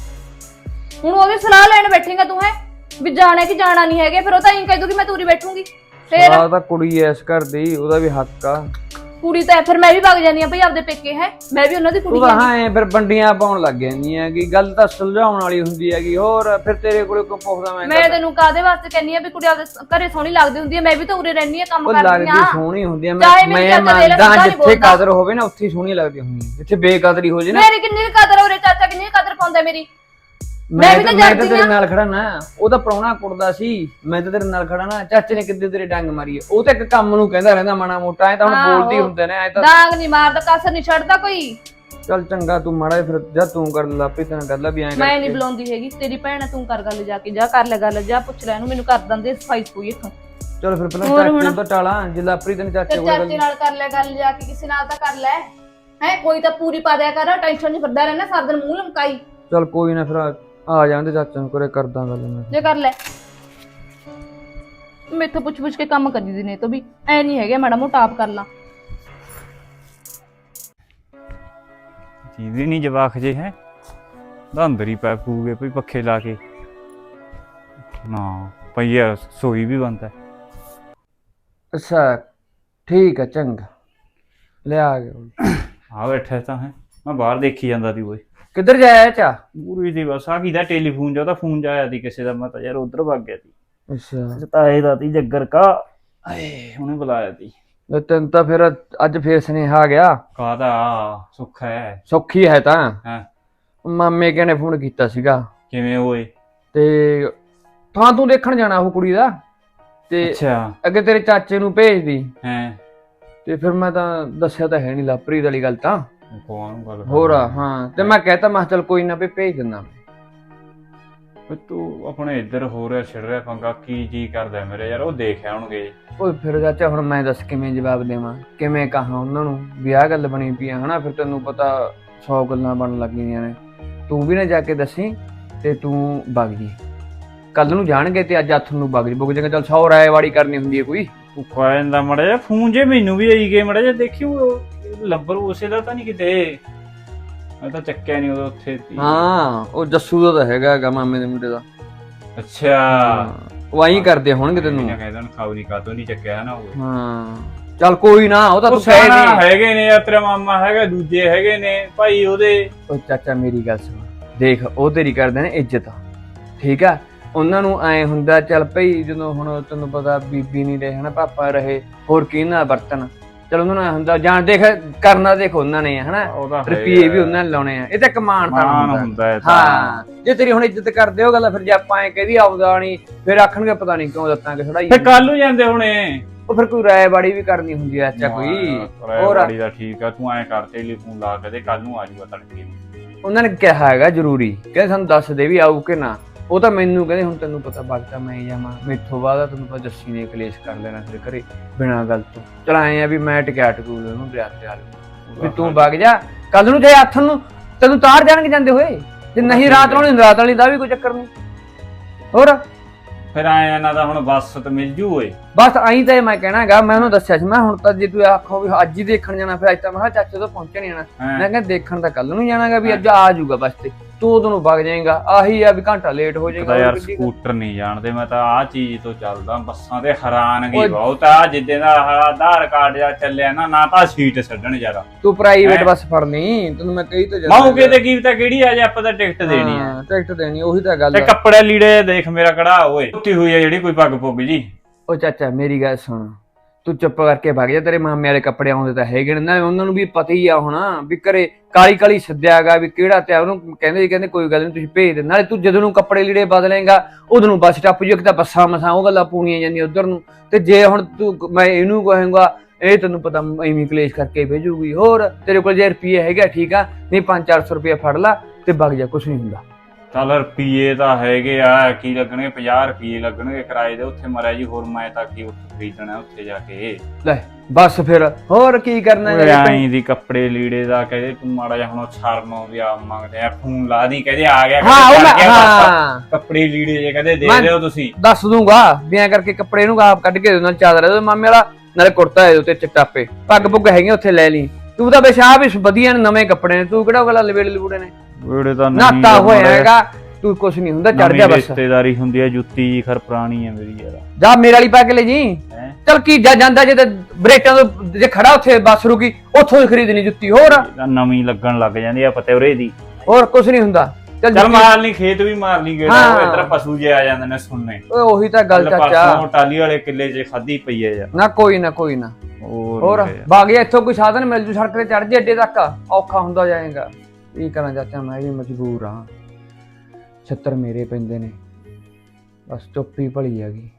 B: ਹੁਣ ਉਹਦੀ ਸਲਾਹ ਲੈਣ ਬੈਠੇਗਾ ਤੂੰ ਹੈ ਵੀ ਜਾਣਾ ਕਿ ਜਾਣਾ ਨਹੀਂ ਹੈਗੇ? ਫਿਰ ਉਹ ਤਾਂ ਇਹੀ ਕਹਿ ਦੂਗੀ ਮੈਂ ਤੂਰੀ ਬੈਠੂਗੀ। ਫਿਰ
H: ਆਹ ਤਾਂ ਕੁੜੀ ਐ ਇਸ ਘਰ ਦੀ, ਉਹਦਾ ਵੀ ਹੱਕ ਆ।
B: ਕੁੜੀ ਤਾਂ ਫਿਰ ਮੈਂ ਵੀ ਵਗ ਜਾਂਦੀ ਆ ਭਾਈ ਆਪਦੇ ਪੇਕੇ, ਹੈ ਮੈਂ ਵੀ ਉਹਨਾਂ ਦੀ ਕੁੜੀ
H: ਤੂੰ ਤਾਂ
B: ਆ।
H: ਹਾਂ ਐ ਫਿਰ ਬੰਡੀਆਂ ਪਾਉਣ ਲੱਗ ਜਾਂਦੀ ਹੈਗੀ, ਗੱਲ ਤਾਂ ਸੁਲਝਾਉਣ ਵਾਲੀ ਹੁੰਦੀ ਹੈਗੀ। ਹੋਰ ਫਿਰ ਤੇਰੇ ਕੋਲੇ ਕੋ ਪੁੱਛਦਾ ਮੈਂ?
B: ਮੈਂ ਤੈਨੂੰ ਕਾਹਦੇ ਵਾਸਤੇ ਕਹਿੰਨੀ ਆ ਵੀ ਕੁੜੀ ਆਪਦੇ ਘਰੇ ਸੋਹਣੀ ਲੱਗਦੀ ਹੁੰਦੀ ਹੈ? ਮੈਂ ਵੀ ਤਾਂ ਉਰੇ ਰਹਿੰਦੀ ਆ, ਕੰਮ
H: ਉਹ
B: ਕਰਦੀ
H: ਲੱਗਦੀ
B: ਆ।
H: ਸੋਹਣੀ ਹੁੰਦੀ ਆ,
B: ਚਾਹੇ
H: ਮੈਂ
B: ਮੇਰੀ
H: ਮੈਂ
B: ਚਾਚਾ ਦੇ ਲੈ,
H: ਮੰਨਦਾ
B: ਸਿੱਧਾ ਨੀ
H: ਜਿੱਥੇ
B: ਬੋਲਦਾ।
H: ਕਦਰ ਹੋਵੇ ਨਾ ਉੱਥੇ ਹੀ ਸੋਹਣੀ ਲੱਗਦੀ ਹੁੰਦੀ ਹੈ। ਜਿੱਥੇ ਬੇਕਦਰੀ ਹੋ ਜੇ ਨਾ।
B: ਮੇਰੀ ਕਿੰਨੀ ਕੁ ਕਦਰ ਆ ਉਰੇ, ਚਾਚਾ ਕਿੰਨੀ ਕੁ ਕਦਰ ਪਾਉਂਦਾ ਮੇਰੀ? ਮੈਂ ਵੀ ਤਾਂ
H: ਮੈਂ ਤਾਂ
B: ਜਾਂਦੀ
H: ਤੇਰੇ
B: ਆ।
H: ਨਾਲ ਖੜਾ ਨਾ, ਉਹ ਤਾਂ ਪ੍ਰਾਹੁਣਾ ਕੁੜਦਾ ਸੀ, ਮੈਂ ਤਾਂ ਤੇਰੇ ਨਾਲ ਖੜਾ ਨਾ। ਚਾਚੇ ਨੇ ਕਿੱਦੇ ਤੇਰੇ ਡੰਗ ਮਾਰੀ ਹੈ, ਉਹ ਤਾਂ ਇੱਕ ਕੰਮ ਨੂੰ ਕਹਿੰਦਾ ਰਹਿੰਦਾ ਮਾੜਾ ਮੋਟਾ, ਐ ਤਾਂ ਹੁਣ
B: ਆਹੋ।
H: ਬੋਲਦੀ ਹੁੰਦੇ ਨੇ ਐ ਤਾਂ।
B: ਡਾਂਗ ਨਹੀਂ ਮਾਰਦਾ, ਕਸਰ ਨਹੀਂ ਛੱਡਦਾ ਕੋਈ।
H: ਚੱਲ ਚੰਗਾ, ਤੂੰ ਮਾੜਾ ਜਿਹਾ ਫਿਰ ਜਾ ਤੂੰ ਕਰ ਲਾਪੀ ਤੈਨੂੰ ਕਰ ਲਾ ਵੀ ਐਂ
B: ਮੈਂ ਨਹੀਂ ਬੁਲਾਉਂਦੀ ਹੈਗੀ, ਤੇਰੀ ਭੈਣ ਆ, ਤੂੰ ਕਰ ਗੱਲ ਜਾ ਕੇ, ਜਾ ਕਰ ਲੈ ਗੱਲ, ਜਾ ਪੁੱਛ ਲੈ ਇਹਨੂੰ, ਮੈਨੂੰ ਕਰ ਦਿੰਦੇ ਸਫਾਈ ਸਫੂਈ ਇੱਥੋਂ।
H: ਚਲ ਫਿਰ ਪਹਿਲਾਂ
B: ਹੋਰ
H: ਚਾਚੇ
B: ਹੁਣ?
H: ਨੂੰ ਤਾਂ ਟਾਲਾਂ, ਜੇ ਲਾਪਰੀ ਤੈਨੂੰ ਚਾਚੇ
B: ਤੇ
H: ਕੋਲ ਗੱਲ
B: ਚਾਚੇ ਨਾਲ ਕਰ ਲੈ ਗੱਲ ਜਾ ਕੇ, ਕਿਸੇ ਨਾਲ ਤਾਂ ਕਰ ਲੈ ਹੈ, ਕੋਈ ਤਾਂ ਪੂਰੀ ਪਾ ਦਿਆ ਕਰ, ਟੈਨਸ਼ਨ ਨਹੀਂ ਫਿਰਦਾ ਰਹਿਣਾ ਸਾਰਾ ਦਿਨ ਮੂੰਹ ਲਮਕਾਈ।
H: ਚੱਲ ਕੋਈ ਨਾ, ਫਿਰ ਆ- ਆ ਜਾਂਦੇ ਚਾਚੇ ਨੂੰ ਕਰੇ ਕਰਦਾ ਗੱਲ ਮੈਂ।
B: ਜੇ ਕਰ ਲੈ, ਮੈਥੋਂ ਪੁੱਛ ਪੁੱਛ ਕੇ ਕੰਮ ਕਰੀ ਦੀ ਨੇ ਤਾਂ ਵੀ ਐ ਨਹੀਂ ਹੈਗੇ, ਮਾੜਾ ਮੋਟਾ ਆਪ ਕਰ ਲਾ।
A: ਚੀਜ਼ ਨਹੀਂ ਜਵਾਕ ਜੇ ਹੈ ਦਾ ਅੰਦਰ ਹੀ ਪੈ ਪੂਗੇ ਭਈ ਪੱਖੇ ਲਾ ਕੇ ਨਾ ਪਈਆ ਸੋਈ ਵੀ ਬੰਦਾ।
H: ਅੱਛਾ ਠੀਕ ਹੈ, ਚੰਗਾ ਲੈ ਆ ਗਿਆ।
A: ਆ ਬੈਠਾ ਤਾਂ ਹੈ, ਮੈਂ ਬਾਹਰ ਦੇਖੀ ਜਾਂਦਾ ਸੀ ਓਏ।
H: ਕਿੱਧਰ ਜਾਇਆ ਚਾ?
A: ਪੂਰੀ ਦੀ ਬਸ ਆ ਕਿਹਦਾ ਟੈਲੀਫੋਨ ਜਾ, ਉਹਦਾ ਫੋਨ ਜਾਇਆ ਸੀ ਕਿਸੇ ਦਾ, ਮੈਂ ਤਾਂ ਯਾਰ ਉਧਰ ਵਗ ਗਿਆ ਸੀ।
H: ਅੱਛਾ
A: ਤਾਏ ਦਾ ਤੀ ਜੱਗਰ ਕਾ, ਆਏ ਉਹਨੇ ਬੁਲਾਇਆ ਸੀ।
H: ਤੇ ਤੈਨੂੰ ਤਾਂ ਫਿਰ ਅੱਜ ਫੇਰ ਸੁਨੇਹਾ ਆ ਗਿਆ।
A: ਕਾਹਦਾ ਸੁੱਖ ਹੈ?
H: ਸੌਖੀ ਹੈ ਤਾਂ।
A: ਹਾਂ
H: ਮਾਮੇ ਕਿਹਨੇ ਫੋਨ ਕੀਤਾ ਸੀਗਾ
A: ਕਿਵੇਂ ਹੋਏ?
H: ਤੇ ਥਾਂ ਤੂੰ ਦੇਖਣ ਜਾਣਾ ਉਹ ਕੁੜੀ ਦਾ, ਤੇ
A: ਅੱਛਾ
H: ਅੱਗੇ ਤੇਰੇ ਚਾਚੇ ਨੂੰ ਭੇਜਦੀ,
A: ਹੈ
H: ਤੇ ਫਿਰ ਮੈਂ ਤਾਂ ਦੱਸਿਆ ਤਾਂ ਹੈ ਨਹੀਂ ਲਾਪਰੀ ਵਾਲੀ ਗੱਲ ਤਾਂ।
A: ਕੌਣ ਗੱਲ
H: ਹੋਰ ਹਾਂ, ਤੇ ਮੈਂ ਕਹਿਤਾ ਮੈਂ ਕਿਹਾ ਚੱਲ ਕੋਈ ਨਾ ਵੀ ਭੇਜ ਦਿੰਦਾ।
A: ਓਏ ਤੂੰ ਆਪਣੇ ਇੱਧਰ ਹੋ ਰਿਹਾ ਛਿੜ ਰਿਹਾ ਪੰਗਾ, ਕੀ ਜੀ ਕਰਦਾ ਮੇਰੇ ਯਾਰ, ਉਹ ਦੇਖ ਆਉਣਗੇ।
H: ਓਏ ਫਿਰ ਚਾਚਾ ਹੁਣ ਮੈਂ ਦੱਸ ਕਿਵੇਂ ਜਵਾਬ ਦੇਵਾਂ, ਕਿਵੇਂ ਕਹਾਂ ਉਹਨਾਂ ਨੂੰ ਵੀ ਆਹ ਗੱਲ ਬਣੀ ਪਈ ਆ ਹਨਾ। ਫਿਰ ਤੈਨੂੰ ਪਤਾ ਸੌ ਗੱਲਾਂ ਬਣਨ ਲੱਗ ਗਈਆਂ ਨੇ, ਤੂੰ ਵੀ ਨਾ ਜਾ ਕੇ ਦੱਸੀ ਤੇ ਤੂੰ ਵਗ ਜੀ। ਕੱਲ ਨੂੰ ਜਾਣਗੇ ਤੇ ਅੱਜ ਹੱਥ ਨੂੰ ਵਗ ਜੀ, ਬੁੱਕ ਜਾਏਗਾ। ਚੱਲ ਸੌ ਰਾਏਵਾੜੀ ਕਰਨੀ ਹੁੰਦੀ ਹੈ ਕੋਈ।
A: ਭੁੱਖਾ ਜਾਂਦਾ ਮੜਾ ਜਾ ਫੋਨ ਜੇ ਮੈਨੂੰ ਵੀ ਆਈ ਗਏ ਮੜਾ ਜਾ ਦੇਖੀ ਉਹ ਲੰਬਰ ਉਸੇ ਦਾ ਤਾਂ ਨਹੀਂ ਕਿਤੇ, ਮੈਂ ਤਾਂ ਚੱਕਿਆ ਨਹੀਂ ਉਦੋਂ ਉੱਥੇ ਸੀ।
H: ਹਾਂ ਉਹ ਜੱਸੂ ਦਾ ਤਾਂ ਹੈਗਾ ਹੈਗਾ ਮਾਮੇ ਦੇ ਮੁੰਡੇ ਦਾ।
A: ਅੱਛਾ
H: ਉਹ ਆਈ ਕਰਦੇ ਹੋਣਗੇ ਤੈਨੂੰ।
A: ਕਹਿੰਦਾ ਖਾਉਰੀ ਕਾਤੋਂ ਨਹੀਂ ਚੱਕਿਆ ਨਾ ਉਹ।
H: ਹਾਂ ਚੱਲ ਕੋਈ ਨਾ, ਉਹ ਤਾਂ
A: ਉਹ
H: ਤੂੰ ਕਹਿ
A: ਸਿਆਣਾ
H: ਦੇ।
A: ਹੈਗੇ ਨੇ ਯਾਰ, ਤੇਰਾ ਮਾਮਾ ਹੈਗਾ, ਦੂਜੇ ਹੈਗੇ ਨੇ ਭਾਈ ਉਹਦੇ।
H: ਉਹ ਚਾਚਾ ਮੇਰੀ ਗੱਲ ਸੁਣ, ਦੇਖ ਉਹ ਤੇਰੀ ਕਰਦੇ ਨੇ ਇੱਜ਼ਤ, ਠੀਕ ਆ। ਉਹਨਾਂ ਨੂੰ ਐ ਹੁੰਦਾ ਚੱਲ ਭਈ ਜਦੋਂ ਹੁਣ ਤੈਨੂੰ ਪਤਾ ਬੀਬੀ ਨਹੀਂ ਰਹੇ ਹਨਾ, ਪਾਪਾ ਰਹੇ, ਹੋਰ ਕੀ ਨਾਲ ਵਰਤਨ। ਚਲ ਉਹਨਾਂ ਨੂੰ ਐਂ ਹੁੰਦਾ ਜਾਣ ਦੇਖ ਕਰਨਾ, ਦੇਖ ਉਹਨਾਂ ਨੇ ਹਨਾ, ਰੁਪਈਏ ਵੀ ਉਹਨਾਂ ਨੇ ਲਾਉਣੇ ਆ, ਇਹ ਤਾਂ ਕਮਾਨ ਤਾਂ ਹੁੰਦਾ। ਹਾਂ ਜੇ ਤੇਰੀ ਹੁਣ ਇੱਜ਼ਤ ਕਰਦੇ ਹੋ ਗੱਲ, ਫਿਰ ਜੇ ਆਪਾਂ ਐ ਕਹਦੀ ਆਉਦਾ ਨਹੀਂ, ਫਿਰ ਆਖਣਗੇ ਪਤਾ ਨਹੀਂ ਕਿਉਂ ਦਿੱਤਾਂਗੇ ਥੋੜਾਈ।
A: ਫਿਰ ਕੱਲ ਨੂੰ ਜਾਂਦੇ ਹੁਣੇ,
H: ਉਹ ਫਿਰ ਕੋਈ ਰਾਇਬਾੜੀ ਵੀ ਕਰਨੀ ਹੁੰਦੀ ਆ ਚਾਚਾ ਕੋਈ। ਹੋਰ
A: ਰਾਇਬਾੜੀ ਦਾ ਠੀਕ ਆ, ਤੂੰ ਐ ਕਰ ਟੈਲੀਫੋਨ ਲਾ ਕੇ ਤੇ ਕੱਲ ਨੂੰ ਆ ਜਾਊਗਾ ਤੜਕੇ।
H: ਉਹਨਾਂ ਨੇ ਕਿਹਾ ਹੈਗਾ ਜ਼ਰੂਰੀ, ਕਹਿੰਦੇ ਸਾਨੂੰ ਦੱਸ ਦੇ ਵੀ ਆਊ ਕਿ ਨਾ। ਉਹ ਤਾਂ ਮੈਨੂੰ ਕਹਿੰਦੇ ਹੁਣ ਤੈਨੂੰ ਪਤਾ ਵਕਤਾ ਮੈਂ ਜਾਵਾਂ, ਮੈਥੋਂ ਬਾਅਦ ਤੈਨੂੰ ਪਤਾ ਜੱਸੀ ਨੇ ਕਲੇਸ਼ ਕਰ ਲੈਣਾ ਫਿਰ ਘਰੇ ਬਿਨਾਂ ਗੱਲ ਤੋਂ। ਚਲ ਆਏ ਆ ਵੀ ਮੈਂ ਟਿਕਿਆ ਟਕੂਲ ਉਹਨੂੰ ਵਿਆਹ ਤੇ ਆ ਵੀ ਤੂੰ ਵਗ ਜਾ। ਕੱਲ ਨੂੰ ਜੇ ਹੱਥ ਨੂੰ ਤੈਨੂੰ ਤਾਰ ਜਾਣਗੇ ਜਾਂਦੇ ਹੋਏ, ਤੇ ਨਹੀਂ ਰਾਤ ਨੂੰ ਰਾਤ ਵਾਲੀ ਦਾ ਵੀ ਕੋਈ ਚੱਕਰ ਨਹੀਂ। ਹੋਰ
A: ਫਿਰ ਆਏ ਇਹਨਾਂ ਦਾ ਹੁਣ ਬੱਸ ਤੇ ਮਿਲ ਜੂ ਓਏ।
H: ਬਸ ਆਈ ਤਾਂ ਮੈਂ ਕਹਿਣਾ ਹੈਗਾ, ਮੈਂ ਉਹਨੂੰ ਦੱਸਿਆ ਸੀ ਮੈਂ ਹੁਣ ਤਾਂ ਜੇ ਤੂੰ ਆਖੋ ਵੀ ਅੱਜ ਹੀ ਦੇਖਣ ਜਾਣਾ, ਫਿਰ ਅੱਜ ਤਾਂ ਮੈਂ ਕਿਹਾ ਚਾਚੇ ਤੋਂ ਪਹੁੰਚਣ ਨਹੀਂ ਜਾਣਾ, ਮੈਂ ਕਿਹਾ ਦੇਖਣ ਤਾਂ ਕੱਲ ਨੂੰ ਜਾਣਾਗਾ ਵੀ ਅੱਜ ਆ ਜਾਊਗਾ ਬਸ, ਤੇ ਤੂੰ ਉਦੋਂ ਨੂੰ ਵਗ ਜਾਏਗਾ। ਆਹੀ ਆ ਵੀ ਘੰਟਾ ਲੇਟ ਹੋ ਜਾਏਗਾ
A: ਯਾਰ। ਸਕੂਟਰ ਨਹੀਂ ਜਾਣਦੇ, ਮੈਂ ਤਾਂ ਆਹ ਚੀਜ਼ ਤੋਂ ਚੱਲਦਾ, ਬੱਸਾਂ ਤੇ ਹੈਰਾਨ ਗਈ ਬਹੁਤ ਆ। ਜਿੱਦੇ ਦਾ ਆਧਾਰ ਕਾਰਡ ਜਾਂ ਚੱਲਿਆ ਨਾ, ਨਾ ਤਾਂ ਸੀਟ ਛੱਡਣ ਯਾਰ।
H: ਤੂੰ ਪ੍ਰਾਈਵੇਟ ਬੱਸ ਫੜਨੀ, ਤੈਨੂੰ ਮੈਂ ਕਹੀ ਤਾਂ
A: ਜਾਂਦਾ ਮੌਕੇ ਤੇ ਕੀ ਤਾਂ ਕਿਹੜੀ ਆ, ਜੇ ਆਪਾਂ ਤਾਂ ਟਿਕਟ ਦੇਣੀ ਆ।
H: ਟਿਕਟ ਦੇਣੀ, ਉਹੀ ਤਾਂ ਗੱਲ
A: ਤੇ ਕੱਪੜੇ ਲੀੜੇ ਦੇਖ ਮੇਰਾ ਕੜਾ ਓਏ, ਟੁੱਟੀ ਹੋਈ ਆ ਜਿਹੜੀ ਕੋਈ ਪੱਗ ਪੁੱਗ ਜੀ।
H: ਉਹ ਚਾਚਾ ਮੇਰੀ ਗੱਲ ਸੁਣ, ਤੂੰ ਚੁੱਪ ਕਰਕੇ ਭੱਗ ਜਾ, ਤੇਰੇ ਮਾਮੇ ਵਾਲੇ ਕੱਪੜੇ ਆਉਂਦੇ ਤਾਂ ਹੈਗੇ ਨੇ ਨਾ, ਉਹਨਾਂ ਨੂੰ ਵੀ ਪਤਾ ਹੀ ਆ ਹੁਣ ਵੀ ਘਰੇ ਕਾਲੀ ਕਾਲੀ ਸੱਦਿਆਗਾ ਵੀ ਕਿਹੜਾ ਤੇ ਉਹਨੂੰ ਕਹਿੰਦੇ ਜੀ ਕਹਿੰਦੇ ਕੋਈ ਗੱਲ ਨਹੀਂ ਤੁਸੀਂ ਭੇਜ ਦੇ, ਨਾਲੇ ਤੂੰ ਜਦੋਂ ਨੂੰ ਕੱਪੜੇ ਲੀੜੇ ਬਦਲੇਗਾ ਉਦੋਂ ਨੂੰ ਬੱਸ ਟੱਪ ਜੂ, ਇੱਕ ਤਾਂ ਬੱਸਾਂ ਮਸਾਂ ਉਹ ਗੱਲਾਂ ਪੂਣੀਆਂ ਜਾਂਦੀਆਂ ਉਧਰ ਨੂੰ, ਤੇ ਜੇ ਹੁਣ ਤੂੰ ਮੈਂ ਇਹਨੂੰ ਕਹਾਂਗਾ ਇਹ ਤੈਨੂੰ ਪਤਾ ਐਵੇਂ ਕਲੇਸ਼ ਕਰਕੇ ਭੇਜੂਗੀ। ਹੋਰ ਤੇਰੇ ਕੋਲ ਜੇ ਰੁਪਈਏ ਹੈਗਾ ਠੀਕ ਆ, ਨਹੀਂ ਪੰਜ ਚਾਰ ਸੌ ਰੁਪਇਆ ਫੜ ਲਾ ਤੇ ਵਗ ਜਾ, ਕੁਛ ਨਹੀਂ ਹੁੰਦਾ।
A: ਚੱਲ ਰੁਪਈਏ ਤਾਂ ਹੈਗੇ ਆ, ਕੀ ਲੱਗਣਗੇ ਪੰਜਾਹ ਰੁਪਈਏ ਲੱਗਣਗੇ ਕਿਰਾਏ ਦੇ, ਉੱਥੇ ਮਰਿਆ ਜੀ। ਹੋਰ ਮੈਂ ਤਾਂ ਕੀ ਉੱਥੇ ਖਰੀਦਣਾ ਉੱਥੇ ਜਾ ਕੇ।
H: ਲੈ ਬਸ ਫਿਰ ਹੋਰ ਕੀ ਕਰਨਾ
A: ਆਈ ਦੀ ਕੱਪੜੇ ਲੀੜੇ ਦਾ ਕਹਿੰਦੇ ਤੂੰ ਮਾੜਾ ਜਿਹਾ ਹੁਣ ਸ਼ਰਮ ਵੀ ਆ ਮੰਗਦੇ ਆ, ਫੋਨ ਲਾ ਦੀ ਕਹਿੰਦੇ ਆ ਗਿਆ
H: ਹਾਂ
A: ਕੱਪੜੇ ਲੀੜੇ ਜੇ ਕਹਿੰਦੇ ਦੇ ਦਿਓ ਤੁਸੀਂ।
H: ਦੱਸ ਦੂੰਗਾ ਵੀ ਐਂ ਕਰਕੇ ਕੱਪੜੇ ਨੂੰ ਆਪ ਕੱਢ ਕੇ ਦੇ ਨਾਲ ਚਾਦਰ ਮਾਮੇ ਵਾਲਾ, ਨਾਲੇ ਕੁੜਤਾ ਹੈ ਉੱਤੇ ਚਿੱਟਾ ਪੇ, ਪੱਗ ਪੁੱਗ ਹੈਗੇ ਉੱਥੇ ਲੈ ਲਈ। ਤੂੰ ਤਾਂ ਬੇਸ਼ਾ ਵੀ ਵਧੀਆ ਨੇ, ਨਵੇਂ ਕੱਪੜੇ ਨੇ, ਤੂੰ ਕਿਹੜਾ ਗੱਲ ਲਵੇੜੇ ਲਵੂੜੇ ਨੇ,
A: ਵੇੜੇ ਤਾਂ
H: ਨਾਤਾ ਹੋਇਆ ਹੈਗਾ, ਤੂੰ ਕੁਛ ਨਹੀਂ ਹੁੰਦਾ, ਚੜ ਜਾ ਬਸ।
A: ਰਿਸ਼ਤੇਦਾਰੀ ਹੁੰਦੀ ਹੈ, ਜੁੱਤੀ ਜੀ ਖਰ ਪੁਰਾਣੀ ਹੈ ਮੇਰੀ ਯਾਰ।
H: ਜਾ ਮੇਰੇ ਵਾਲੀ ਪਾ ਕੇ ਲੈ ਜੀ। ਚਲ ਕੀ ਜਾ ਜਾਂਦਾ ਜੇ ਤੇ ਬ੍ਰੇਕਾਂ ਤੋਂ ਜੇ ਖੜਾ ਉੱਥੇ ਬੱਸ ਰੁਕੀ ਉੱਥੋਂ ਹੀ ਖਰੀਦਣੀ ਜੁੱਤੀ। ਹੋਰ
A: ਨਵੀਂ ਲੱਗਣ ਲੱਗ ਜਾਂਦੀ ਆ ਪਤੇਵਰੇ ਦੀ।
H: ਹੋਰ ਕੁਛ ਨਹੀਂ ਹੁੰਦਾ।
A: ਚੱਲ ਮਾਰ ਲਈ, ਖੇਤ ਵੀ ਮਾਰ ਲਈ ਗੇੜਾ, ਇਧਰ ਪਸ਼ੂ ਜੇ ਆ ਜਾਂਦੇ ਨੇ ਸੁਣਨੇ।
H: ਓਏ ਉਹੀ ਤਾਂ ਗੱਲ ਚਾਚਾ,
A: ਟਾਲੀ ਵਾਲੇ ਕਿੱਲੇ 'ਚ ਖਾਦੀ ਪਈ ਹੈ ਯਾਰ।
H: ਨਾ ਕੋਈ ਨਾ ਕੋਈ ਨਾ। ਹੋਰ ਬਾਗਿਆ ਇੱਥੋਂ ਕੋਈ ਸਾਧਨ ਮਿਲ ਜੂ ਸੜਕ ਤੇ ਚੜ ਜੇ ਅੱਡੇ ਤੱਕ, ਔਖਾ ਹੁੰਦਾ ਜਾਏਗਾ। ਕੀ ਕਰਾਂ ਚਾਚਾ, ਮੈਂ ਵੀ ਮਜਬੂਰ ਹਾਂ। ਛਿੱਤਰ ਮੇਰੇ ਪੈਂਦੇ ਨੇ। ਬਸ ਚੁੱਪ ਹੀ ਭਲੀ ਹੈਗੀ।